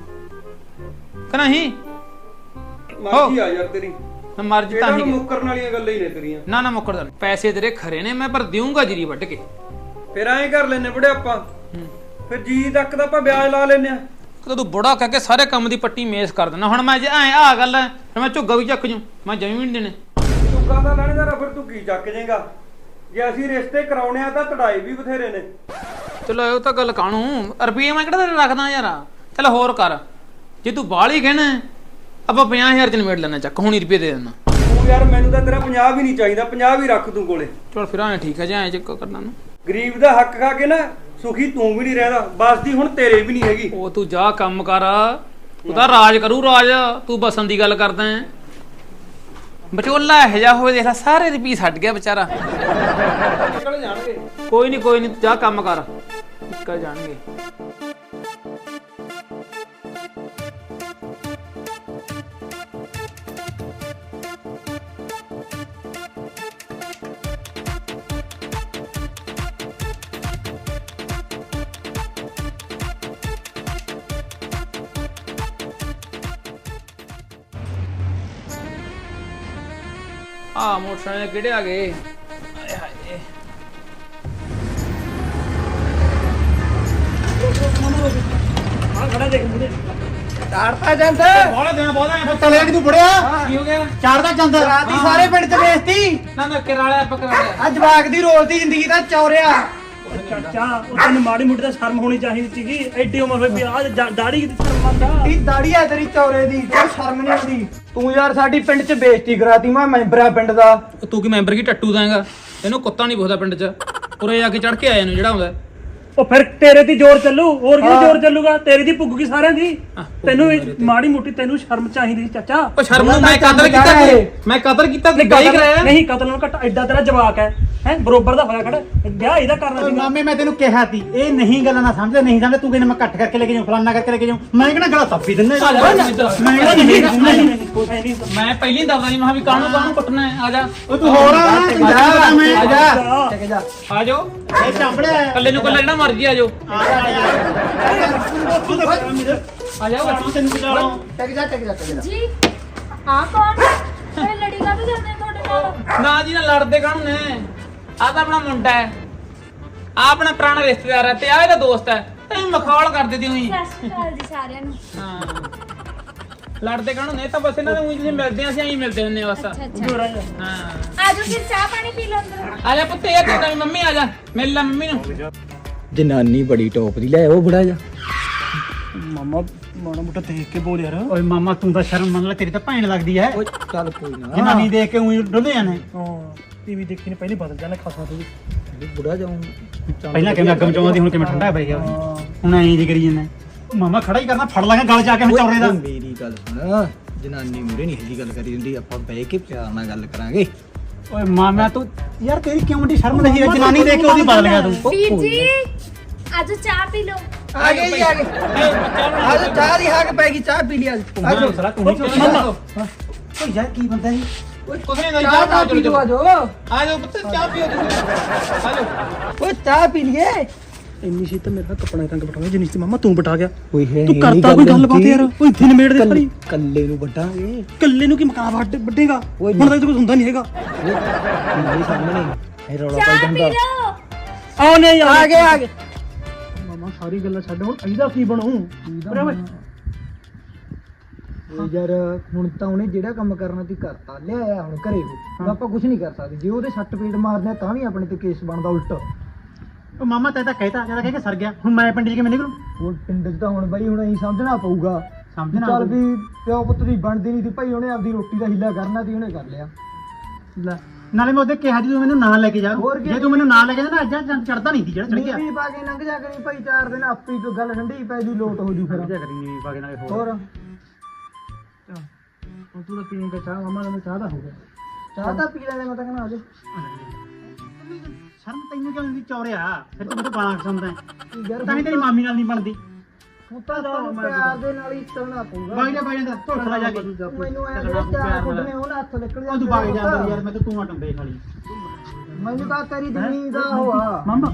S1: ਕਿ ਨਹੀਂ
S6: ਮਰਜ਼ੀ ਆ ਯਾਰ ਤੇਰੀ
S1: ਮੈਂ ਮਰਜ਼ੀ ਤਾਂ
S6: ਇਹਨਾਂ
S1: ਹੀ
S6: ਨੂੰ ਮੁੱਕਰਨ ਵਾਲੀਆਂ ਗੱਲਾਂ ਹੀ ਨੇ ਤੇਰੀਆਂ
S1: ਨਾ ਮੁੱਕਰਦਾ ਨੀ। ਪੈਸੇ ਤੇਰੇ ਖਰੇ ਨੇ ਮੈਂ ਪਰ ਦੇਊਂਗਾ ਜੀਰੀ ਵੱਢ ਕੇ
S6: ਫਿਰ ਐਂ ਕਰ ਲੈਨੇ ਬੜੇ ਆਪਾਂ ਫਿਰ ਜੀ ਤੱਕ ਦਾ ਆਪਾਂ ਵਿਆਜ ਲਾ ਲੈਨੇ ਆ
S1: ਕਦੋਂ ਤੂੰ ਬੁੜਾ ਕਹਿ ਕੇ ਸਾਰੇ ਕੰਮ ਦੀ ਪੱਟੀ ਮੇਸ ਕਰ ਦੇਣਾ ਹੁਣ ਮੈਂ ਜੇ ਐ ਆ ਗੱਲ ਹੈ ਫਿਰ ਮੈਂ ਝੁੱਗਾ ਵੀ ਚੱਕ ਜੂ ਮੈਂ ਜਮੀ ਵੀ ਨਹੀਂ ਦੇਣੇ
S6: ਚੁੱਕਾ ਤਾਂ ਲੈਣੇਦਾਰ ਫਿਰ ਤੂੰ ਕੀ ਚੱਕ ਜਾਏਗਾ ਜੇ ਅਸੀਂ ਰਿਸ਼ਤੇ ਕਰਾਉਣੇ ਆ ਤਾਂ ਤੜਾਈ ਵੀ ਬਥੇਰੇ ਨੇ
S1: ਚਲੋ ਉਹ ਤਾਂ ਗੱਲ ਕਾਣੂ ਰੁਪਏ ਮੈਂ ਕਿਹੜਾ ਤੇਰੇ ਰੱਖਦਾ ਯਾਰ ਚੱਲ ਹੋਰ ਕਰ ਜੇ ਤੂੰ ਬਾਹਲੀ ਕਹਿਣਾ ਆਪਾਂ 50,000 ਚ ਨਿਬੇੜ ਲੈਣਾ ਚੱਕ ਹੁਣੀ ਰੁਪਏ ਦੇ ਦੇਣਾ
S6: ਤੂੰ ਯਾਰ ਮੈਨੂੰ ਤਾਂ ਤੇਰਾ 50 ਵੀ ਨਹੀਂ ਚਾਹੀਦਾ 50 ਵੀ ਰੱਖ ਤੂੰ ਕੋਲੇ
S1: ਚਲ ਫਿਰ ਐਂ ਠੀਕ ਹੈ ਜੇ ਐਂ ਚੱਕ ਕਰਨਾ ਨੂੰ
S6: ਗਰੀਬ ਦਾ ਹੱਕ ਖਾ ਕੇ ਨਾ ਸੁਖੀ ਤੂੰ ਵੀ ਨਹੀਂ ਰਹਿਦਾ ਬਸਦੀ ਹੁਣ ਤੇਰੇ ਵੀ ਨਹੀਂ ਹੈਗੀ
S1: ਉਹ ਤੂੰ ਜਾ ਕੰਮ ਕਰ ਤੂੰ ਤਾਂ ਰਾਜ ਕਰੂ ਰਾਜ ਤੂੰ ਬਸਣ ਦੀ ਗੱਲ ਕਰਦਾ ਹੈ ਬਚੋਲਾ ਇਹ ਜਾ ਹੋਵੇ ਦੇਖ ਲੈ ਸਾਰੇ ਰੁਪਏ ਛੱਡ ਗਿਆ ਵਿਚਾਰਾ
S6: ਨਿਕਲ ਜਾਣਗੇ
S1: ਕੋਈ ਨਹੀਂ ਜਾ ਕੰਮ ਕਰ ਨਿਕਲ ਜਾਣਗੇ ਆ ਮੋਟਰਸਾਈਕਲ ਕਿਹੜੇ ਆ ਗਏ ਆਏ ਹਾਏ
S2: ਚਾੜਤਾ ਜਾਂਦਾ
S4: ਬੋਲੇ ਦੇਣਾ ਬੋਲੇ ਚਲੇ ਕਿ ਤੂੰ ਫੜਿਆ
S1: ਕੀ ਹੋ ਗਿਆ
S4: ਚਾੜਦਾ ਚੰਦ
S2: ਰਾਤੀ ਸਾਰੇ ਪਿੰਡ ਚ ਵੇਚਤੀ
S1: ਨਾ ਨਾ ਕਿਰਾਇਆ ਪਕੜਾ ਲਿਆ
S2: ਆ ਜਵਾਕ ਦੀ ਰੋਲਦੀ ਜ਼ਿੰਦਗੀ ਦਾ ਚੌਰਿਆ
S7: ਚਾਚਾ ਉਹ ਤੈਨੂੰ ਮਾੜੀ ਮੋਟੀ ਤਾਂ ਸ਼ਰਮ ਹੋਣੀ ਚਾਹੀਦੀ ਸੀਗੀ ਐਡੀ ਉਮਰ ਹੋਈ ਵੀ ਆ ਦਾੜੀ ਕਿਤੇ ਸ਼ਰਮ ਆਂਦਾ
S2: ਇਹ ਦਾੜੀ ਆ ਤੇਰੀ ਚੌਰੇ ਦੀ ਤੇ ਸ਼ਰਮ ਨਹੀਂ ਆਉਂਦੀ ਤੂੰ ਯਾਰ ਸਾਡੀ ਪਿੰਡ ਚ ਬੇਇੱਜ਼ਤੀ ਕਰਾਤੀ ਮੈਂ ਮੈਂਬਰਾਂ ਪਿੰਡ ਦਾ
S1: ਤੂੰ ਕੀ ਮੈਂਬਰ ਕੀ ਟੱਟੂ ਦਾਂਗਾ ਇਹਨੂੰ ਕੁੱਤਾ ਨਹੀਂ ਪੁੱਛਦਾ ਪਿੰਡ 'ਚ ਉਰੇ ਆ ਕੇ ਚੜ ਕੇ ਆਇਆ ਨੂੰ ਜਿਹੜਾ ਹੁੰਦਾ
S7: ਉਹ ਫਿਰ ਤੇਰੇ ਦੀ ਜ਼ੋਰ ਚੱਲੂ ਹੋਰ ਕਿਹਦੀ ਜ਼ੋਰ ਚੱਲੂਗਾ ਤੇਰੀ ਦੀ ਪੁੱਗੂਗੀ ਸਾਰਿਆਂ ਦੀ ਤੈਨੂੰ ਮਾੜੀ ਮੋਟੀ ਤੈਨੂੰ ਸ਼ਰਮ ਚਾਹੀਦੀ ਸੀ ਚਾਚਾ
S1: ਉਹ ਸ਼ਰਮ ਨੂੰ ਮੈਂ ਕਦਰ ਕੀਤਾ ਮੈਂ ਕਦਰ ਕੀਤਾ ਤੇ ਗਾਈ ਕਰਾਇਆ
S7: ਨਹੀਂ ਕਤਲ ਨੂੰ ਘੱਟ ਐਡਾ ਤੇਰਾ ਜਵਾਕ ਹੈ ਬਰੋਬਰ ਦਾ ਹੋਇਆ ਖੜਾ ਵਿਆਹ ਇਹਦਾ ਕਰਨਾ ਸੀ
S4: ਮਾਮੇ ਮੈਂ ਤੈਨੂੰ ਕਿਹਾ ਸੀ ਇਹ ਨਹੀਂ ਗੱਲਾਂ ਨਾ ਸਮਝ ਨਹੀਂ ਸਮਝ ਤੂੰ ਕਹਿੰਦਾ ਮੈਂ ਕੱਟ ਕਰਕੇ ਲੈ ਕੇ ਜਾਉਂ ਫਲਾਨਾ ਕਰਕੇ ਲੈ ਕੇ ਜਾਉਂ ਮੈਂ ਕਿਹੜਾ ਗਲਾ ਤੱਪੀ ਦਿੰਦਾ
S1: ਮੈਂ ਪਹਿਲੀ ਦੱਸਦਾ ਨਹੀਂ ਮੈਂ ਵੀ ਕਾਹਨੂੰ ਕੁੱਟਣਾ ਹੈ ਆ ਜਾ
S4: ਉਹ ਤੂੰ ਹੋਰ ਆ ਮੈਂ
S2: ਆ ਜਾ ਚੱਕ ਜਾ
S1: ਆ ਜਾਓ
S4: ਇਹ ਚਾਂਬੜਿਆ
S1: ਕੱਲੇ ਨੂੰ ਕੱਲਾ ਜਿਹੜਾ ਮਰਜੀ ਆ ਜਾਓ ਆ ਜਾਓ
S4: ਤੈਨੂੰ ਬਚਾਉਣਾ
S2: ਚੱਕ ਜਾ
S3: ਜੀ ਹਾਂ ਕੌਣ ਇਹ ਲੜੀ ਕਾ ਜਾਂਦੇ ਤੁਹਾਡੇ ਨਾਲ
S1: ਨਾ ਜੀ ਨਾ ਲੜਦੇ ਕਾਹਨੂੰ ਨੇ ਆ ਤਾਂ ਆਪਣਾ ਮੁੰਡਾ ਹੈ ਆ ਆਪਣਾ ਪੁਰਾਣਾ ਰਿਸ਼ਤੇਦਾਰ ਹੈ ਤੇ ਆ ਇਹਦਾ ਦੋਸਤ ਹੈ ਤੇ ਮਖੌਲ ਕਰਦੇ ਦੀ ਉਹੀ
S3: ਸਤਿ ਸ਼੍ਰੀ ਅਕਾਲ ਜੀ ਸਾਰਿਆਂ ਨੂੰ
S1: ਹਾਂ ਲੜਦੇ ਕਾਹਨੂੰ ਨੇ ਤਾਂ ਬਸ ਇਹਨਾਂ ਦੇ ਉਹੀ ਜਿਹੇ ਮਿਲਦੇ ਆ ਅਸੀਂ ਐਂ ਮਿਲਦੇ ਹੁੰਦੇ ਆ ਬਸ
S3: ਅੱਛਾ ਅੱਛਾ
S1: ਹਾਂ
S3: ਆਜੋ ਫਿਰ ਚਾਹ ਪਾਣੀ ਪੀ ਲਓ ਅੰਦਰ
S1: ਆ ਜਾ ਪੁੱਤ ਇਹ ਤੇਰੀ ਮੰਮੀ ਆ ਜਾ ਮਿਲ ਲੈ ਮੰਮੀ ਨੂੰ
S2: ਜਨਾਨੀ ਬੜੀ ਟੌਪ ਦੀ ਲੈ ਉਹ ਬੜਾ ਜਾ
S7: ਮਾਮਾ ਮਾੜਾ ਮੋਟਾ ਦੇਖ ਕੇ ਬੋਲ ਯਾਰ
S4: ਓਏ ਮਾਮਾ ਤੂੰ ਤਾਂ ਸ਼ਰਮ ਮੰਨ ਲੈ ਤੇਰੀ ਤਾਂ ਭੈਣ ਲੱਗਦੀ ਐ
S2: ਓਏ ਚੱਲ ਕੋਈ ਨਾ
S4: ਜਨਾਨੀ ਦੇਖ ਕੇ ਉਹੀ ਡੁੱਲੇ ਜਾਣੇ
S7: ਹਾਂ ਟੀਵੀ ਦੇਖੀ ਨੇ ਪਹਿਲੇ ਬਦਲ ਜਾਣਾ ਖਾਸਾ ਤੂੰ
S2: ਬੁੜਾ ਜਾਉਂ
S4: ਪਹਿਲਾਂ ਕਿਵੇਂ ਅੱਗ ਮਚਾਉਂਦੀ ਹੁਣ ਕਿਵੇਂ ਠੰਡਾ ਪੈ ਗਿਆ ਹੁਣ ਐਂ ਜੀ ਕਰੀ ਜਾਂਦਾ ਮਾਮਾ ਖੜਾ ਹੀ ਕਰਨਾ ਫੜ ਲਾਂਗਾ ਗਲ ਜਾ ਕੇ ਹੁਣ ਚੌਰੇ ਦਾ
S2: ਮੇਰੀ ਗੱਲ ਸੁਣ ਜਨਾਨੀ ਮੂਰੇ ਨਹੀਂ ਇਹਦੀ ਗੱਲ ਕਰੀ ਹੁੰਦੀ ਆਪਾਂ ਬਹਿ ਕੇ ਪਿਆਰ ਨਾਲ ਗੱਲ ਕਰਾਂਗੇ
S4: ਓਏ ਮਾਮਾ ਤੂੰ ਯਾਰ ਤੇਰੀ ਕਿਉਂ ਡੀ ਸ਼ਰਮ ਨਹੀਂ ਹੈ ਜਨਾਨੀ ਦੇਖ ਕੇ ਉਹਦੀ ਬਦਲ ਗਿਆ ਤੂੰ
S3: ਵੀਰ ਜੀ ਆਜੋ ਚਾਹ ਪੀ ਲਓ
S2: ਆ ਗਏ ਜੀ ਆ ਗਏ ਅੱਜ ਚਾਹ ਦੀ ਹੱਕ ਪੈ ਗਈ ਚਾਹ ਪੀ ਲਈ ਅੱਜ
S4: ਆ ਜਾ ਸਲਾ ਤੂੰ ਮਾਮਾ ਓਏ ਯਾਰ ਕੀ ਬੰਦਾ ਜੀ
S1: ਕੁਛ ਨਹੀਂ
S2: ਚਾਹ ਤਾਂ ਪੀ ਲਓ ਆਜੋ
S1: ਆ ਜਾਓ ਪੁੱਤ ਚਾਹ ਪੀਓ ਤੁਸੀਂ ਆ ਜਾਓ
S2: ਓਏ ਚਾਹ ਪੀ ਲਈਏ
S7: ਇੰਨੀ ਸੀ ਤਾਂ ਮੇਰਾ ਕੱਪੜਾ ਰੰਗ ਬਟਾਉਣਾ ਜਿੰਨੀ ਸੀ ਮਾਮਾ ਤੂੰ ਬਟਾ ਗਿਆ
S2: ਓਏ ਹੈ
S7: ਤੂੰ ਕਰਤਾ ਕੋਈ ਗੱਲਬਾਤ ਯਾਰ ਓਏ ਇੱਥੇ ਨਿਮੇੜ ਦੇ ਸਾਰੀ
S2: ਕੱਲੇ ਨੂੰ ਵੱਡਾਂਗੇ
S7: ਕੱਲੇ ਨੂੰ ਕੀ ਮਕਾਨ ਵੱਡੇਗਾ
S2: ਓਏ
S7: ਹੁਣ ਤਾਂ ਕੁਝ ਹੁੰਦਾ ਨਹੀਂ ਹੈਗਾ
S2: ਮੇਰੇ ਸਾਹਮਣੇ ਇਹ ਰੌਲਾ ਪਾਈ
S3: ਚਾਹ ਪੀ
S2: ਜਾਂਦਾ
S3: ਲਓ
S7: ਆਓ ਨੇ ਯਾਰ
S2: ਆ ਗਏ
S7: ਮਾਮਾ ਸਾਰੀ ਗੱਲਾਂ ਛੱਡ ਹੁਣ ਇਹਦਾ ਕੀ ਬਣੂ
S2: ਯਾਰ ਹੁਣ ਤਾਂ ਉਹਨੇ ਜਿਹੜਾ ਕੰਮ ਕਰਨਾ ਸੀ ਕਰਤਾ ਲਿਆਇਆ ਹੁਣ ਘਰੇ ਉਹ ਆਪਾਂ ਕੁਝ ਨਹੀਂ ਕਰ ਸਕਦੇ ਜੇ ਉਹਦੇ ਸੱਟ ਪੇਟ ਮਾਰਦੇ ਆ ਤਾਂ ਵੀ ਆਪਣੇ ਤੇ ਕੇਸ ਬਣਦਾ ਉਲਟ
S4: ਓ ਮਾਮਾ ਤੈਨੂੰ ਤਾਂ ਕਹਿਤਾ ਜਦਾ ਕਹਿ ਕੇ ਸਰ ਗਿਆ ਹੁਣ ਮੈਂ ਪਿੰਡ 'ਚ ਕਿਵੇਂ ਨਿਕਲੂ
S2: ਉਹ ਪਿੰਡ 'ਚ ਤਾਂ ਹੁਣ ਬਈ ਹੁਣ ਅਸੀਂ ਸਮਝਣਾ ਪਊਗਾ
S4: ਸਮਝਣਾ
S2: ਚੱਲ ਵੀ ਪਿਓ ਪੁੱਤ ਦੀ ਬਣਦੀ ਨਹੀਂ ਸੀ ਭਾਈ ਉਹਨੇ ਆਪਦੀ ਰੋਟੀ ਦਾ ਹਿੱਲਾ ਕਰਨਾ ਸੀ ਉਹਨੇ ਕਰ ਲਿਆ
S4: ਲੈ ਨਾਲੇ ਮੈਂ ਉਹਦੇ ਕਿਹਾ ਜੀ ਤੂੰ ਮੈਨੂੰ ਨਾਲ ਲੈ ਕੇ ਜਾ
S2: ਹੋਰ ਕੀ?
S4: ਜੇ ਤੂੰ ਮੈਨੂੰ ਨਾਲ ਲੈ ਕੇ ਜਾ ਨਾ ਅੱਜ ਚੜਦਾ ਨਹੀਂ ਸੀ ਜਿਹੜਾ ਚੜ ਗਿਆ
S2: ਨੀਵੀਂ ਪਾ ਕੇ ਲੰਘ ਜਾ ਕਰੀ ਭਾਈ 4 ਦਿਨ ਆਪੇ ਹੀ ਗੱਲ ਠੰਡੀ ਪੈ ਜੂ ਲੋਟ ਹੋ ਜੂ ਫਿਰ
S4: ਜਾ ਕਰੀ ਨੀ ਪਾ ਕੇ ਨਾਲੇ
S2: ਹੋਰ
S7: ਹੁਣ ਤੂੰ ਤਾਂ ਪੀਂਗਾ ਚਾਹ ਮਾਮਾ ਨੇ ਚਾਹ ਦਾ ਹੋ ਗਿਆ
S2: ਚਾਹ ਤਾਂ ਪੀ ਲੈਣੇ ਮੈਂ ਤਾਂ ਕਹਿੰਦਾ ਆਜੋ
S4: ਸ਼ਰਮ ਤੈਨੂੰ ਕਿਉਂ ਨਹੀਂ ਚੌਰਿਆ ਫਿਰ ਤੂੰ ਮੈਨੂੰ ਗਾਲਾਂ ਖਸਾਉਂਦਾ
S2: ਯਾਰ
S4: ਤਾਂ ਹੀ ਤੇਰੀ ਮਾਮੀ ਨਾਲ ਨਹੀਂ ਬਣਦੀ
S2: ਹੁਣ ਤਾਂ ਤੁਹਾਨੂੰ ਪਿਆਰ ਦੇ ਨਾਲ ਹੀ ਚੱਲਣਾ ਪਊਗਾ
S4: ਬਾਈ ਜਾ ਢੋਲਣਾ ਜਾ ਕੇ
S2: ਮੈਨੂੰ ਐ ਚਾਰ ਕੁੱਟਨੇ ਹੁਣ ਹੱਥ ਨਿਕਲ
S4: ਉਹ ਤੂੰ ਬਾਗ ਜਾਂਦਾ ਯਾਰ ਮੈਂ ਤਾਂ ਤੂੰ ਟੰਬੇ ਖਾਲੀ
S2: ਮੈਨੂੰ ਤਾਂ ਤੇਰੀ ਜ਼ਮੀਨ ਦਾ ਹੋਆ
S7: ਮਾਮਾ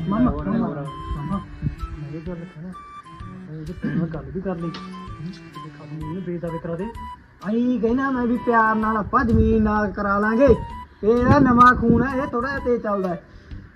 S7: ਮੇਰੇ ਗੱਲ ਕਹਿਣਾ ਇਹ ਤੇ ਤੇਰੇ ਨਾਲ ਗੱਲ ਵੀ ਕਰ ਲਈ ਤੇ ਖਤਮ ਨਹੀਂ ਬੇਦਾਵੇ ਕਰਾ ਦੇ
S2: ਆਈ ਕਹਿਣਾ ਮੈਂ ਵੀ ਪਿਆਰ ਨਾਲ ਆਪਾਂ ਜ਼ਮੀਨ ਨਾਲ ਕਰਾ ਲਾਂਗੇ ਇਹਦਾ ਨਵਾਂ ਖੂਨ ਹੈ ਇਹ ਥੋੜਾ ਤੇ ਚੱਲਦਾ ਹੈ।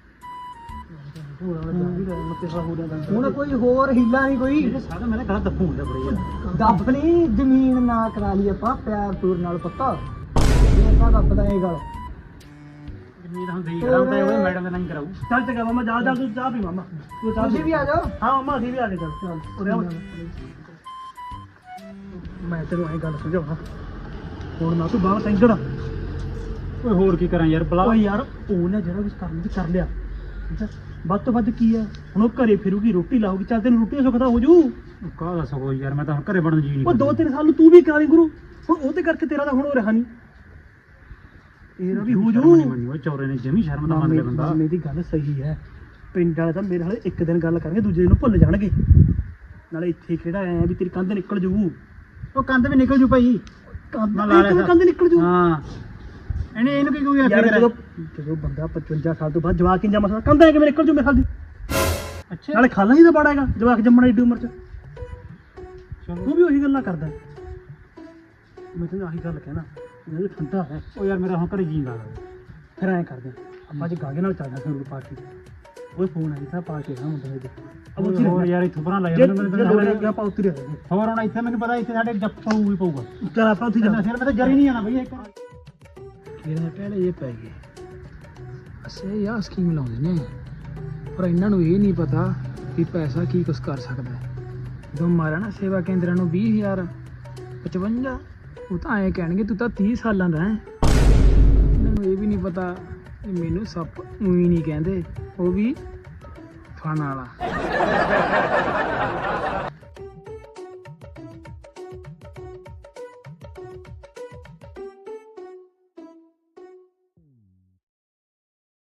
S2: ਹੁਣ ਕੋਈ ਹੋਰ ਹੀਲਾ ਨਹੀਂ ਕੋਈ
S4: ਸਾਡਾ ਮੈਂ ਗਲਤ ਦੱਬੂ ਹੁੰਦਾ ਬੜੇ ਯਾਰ
S2: ਦੱਬ ਨਹੀਂ ਜ਼ਮੀਨ ਨਾ ਕਰਾ ਲਈ ਆਪਾਂ ਪਿਆਰ ਪੂਰ ਨਾਲ ਪੱਕਾ ਇਹ ਆਪਾਂ ਦੱਬਦਾ ਇਹ ਗੱਲ
S4: ਨਹੀਂ ਤਾਂ ਹੁੰਦੀ ਕਰਾਂ ਤਾਂ ਉਹ ਮੈਡਮ ਦਾ ਨਹੀਂ ਕਰਾਊ।
S7: ਚੱਲ ਚੰਗਾ ਮਾਮਾ ਜਾ ਜਾ ਤੂੰ ਚਾਹ ਪੀ ਮਾਮਾ ਤੂੰ ਚਾਹ
S2: ਤੁਸੀਂ ਵੀ ਆ ਜਾਓ।
S7: ਹਾਂ ਮਾਮਾ ਅਸੀਂ ਵੀ ਆ ਗਏ ਚੱਲ ਉਰੇ ਆ ਮੈਂ ਤੈਨੂੰ ਇਹ ਗੱਲ ਸਮਝਾਉਣਾ ਹੁਣ ਨਾ ਤੂੰ ਬਾਹਰ ਟੈਂਸ਼ਨ
S4: ਓਏ ਹੋਰ ਕੀ ਕਰਾਂ ਯਾਰ ਬਲਾ।
S7: ਓਏ ਯਾਰ ਉਹਨੇ ਜਿਹੜਾ ਕੁਝ ਕਰਨ ਦੀ ਕਰ ਲਿਆ ਠੀਕ ਹੈ ਵੱਧ ਤੋਂ ਵੱਧ ਕੀ ਹੈ ਹੁਣ ਉਹ ਘਰੇ ਫਿਰੂਗੀ ਰੋਟੀ ਲਾਊਗੀ ਚੱਲ ਤੈਨੂੰ ਰੋਟੀ ਸੁੱਖ ਦਾ ਹੋ ਜੂ
S4: ਕਾਹ ਦੱਸ ਕੋਈ ਯਾਰ ਮੈਂ ਤਾਂ ਹੁਣ ਘਰੇ ਬਣਨ ਜੀ ਨਹੀਂ
S7: ਉਹ 2-3 ਸਾਲ ਨੂੰ ਤੂੰ ਵੀ ਕਰਾ ਲਈ ਗੁਰੂ ਹੁਣ ਉਹਦੇ ਕਰਕੇ ਤੇਰਾ ਤਾਂ ਹੁਣ ਉਹ ਰਿਹਾ ਨਹੀਂ ਇਹਦਾ ਵੀ ਹੋ ਜੂ
S4: ਉਹ ਚੌਰੇ ਨੇ ਜਮੀ ਸ਼ਰਮ ਦਾ ਮੰਨ ਲਿਆ ਬੰਦਾ।
S7: ਮਾਮੇ ਦੀ ਗੱਲ ਸਹੀ ਹੈ ਪਿੰਡ ਵਾਲੇ ਤਾਂ ਮੇਰੇ ਨਾਲ ਇੱਕ ਦਿਨ ਗੱਲ ਕਰਨਗੇ ਦੂਜੇ ਦਿਨ ਨੂੰ ਭੁੱਲ ਜਾਣਗੇ ਨਾਲੇ ਇੱਥੇ ਕਿਹੜਾ ਆਇਆ ਵੀ ਤੇਰੀ ਕੰਧ ਨਿਕਲ ਜੂ
S4: ਉਹ ਕੰਧ ਵੀ ਨਿਕਲ ਜੂ ਭਾਈ।
S7: ਕੰਧ
S4: ਮੈਂ ਲਾ ਲਿਆ
S7: ਕੰਧ ਨਿਕਲ ਜੂ
S4: ਹਾਂ ਇਹਨੂੰ ਕੀ ਕੋਈ
S7: ਯਾਰ
S4: ਆਖਿਆ
S7: ਜਦੋਂ ਬੰਦਾ 55 ਸਾਲ ਤੋਂ ਬਾਅਦ ਜਵਾਕ ਇੰਜਾ ਮਸਲਾ ਕੰਧ ਹੈ ਕਿਵੇਂ ਨਿਕਲ ਜੂ ਮੇਰੇ ਖਾਲ ਦੀ
S4: ਅੱਛਾ
S7: ਨਾਲੇ ਖਾਲਾ ਹੀ ਤਾਂ ਬੜਾ ਹੈਗਾ ਜਵਾਕ ਜੰਮਣਾ ਏਡੀ ਉਮਰ ਚ ਤੂੰ ਵੀ ਉਹੀ ਗੱਲਾਂ ਕਰਦਾ ਮੈਂ ਤੈਨੂੰ ਆਹੀ ਗੱਲ ਕਹਿਣਾ ਜੇ ਠੰਡਾ ਹੈ
S4: ਉਹ ਯਾਰ ਮੇਰਾ ਹੁਣ ਘਰੇ ਜੀ ਲੱਗਦਾ।
S7: ਫਿਰ ਐਂ ਕਰਦੇ ਆਪਾਂ ਅੱਜ ਗਾਗੇ ਨਾਲ ਚੱਲਦਾ ਫਿਰ ਪਾਰਟੀ ਉਹ ਫੋਨ ਆਈ ਤਾਂ ਪਾਰਟੀ ਨਾ ਮੁੰਡੇ ਦੇ
S4: ਹੋਰ ਯਾਰ ਇੱਥੋਂ ਪਰਾਂ ਲੈ
S7: ਜੇ
S4: ਜਾ ਮੈਨੂੰ
S7: ਲੋੜ ਆਪਾਂ ਉੱਤਰ ਰਹੇ
S4: ਹੋਰ ਹੁਣ ਇੱਥੇ ਮੈਨੂੰ ਪਤਾ ਇੱਥੇ ਸਾਡੇ ਜੱਪ ਪਊ ਹੀ ਪਊਗਾ।
S7: ਚੱਲ ਆਪਾਂ ਉੱਥੇ
S4: ਨਾ ਸਿਰ ਮੈਂ ਤਾਂ ਜਰੀ ਨਹੀਂ ਆਣਾ ਬਈ ਇੱਕ
S1: ਇਹਦੇ ਪਹਿਲੇ ਇਹ ਪੈ ਗਏ ਅਸੇ ਯਾ ਸਕੀਮ ਲਾਉਂਦੇ ਨੇ ਪਰ ਇਹਨਾਂ ਨੂੰ ਇਹ ਨਹੀਂ ਪਤਾ ਕਿ ਪੈਸਾ ਕੀ ਕੁਛ ਕਰ ਸਕਦਾ ਹੈ। ਜਦੋਂ ਮਾਰਿਆ ਨਾ ਸੇਵਾ ਕੇਂਦਰਾਂ ਨੂੰ 20,000 55 ਉਹ ਤਾਂ ਐਂ ਕਹਿਣਗੇ ਤੂੰ ਤਾਂ 30 ਸਾਲਾਂ ਦਾ ਹੈ। ਇਹਨਾਂ ਨੂੰ ਇਹ ਵੀ ਨਹੀਂ ਪਤਾ ਕਿ ਮੈਨੂੰ ਸੱਪ ਉਹੀ ਨਹੀਂ ਕਹਿੰਦੇ ਉਹ ਵੀ ਫਨ ਵਾਲਾ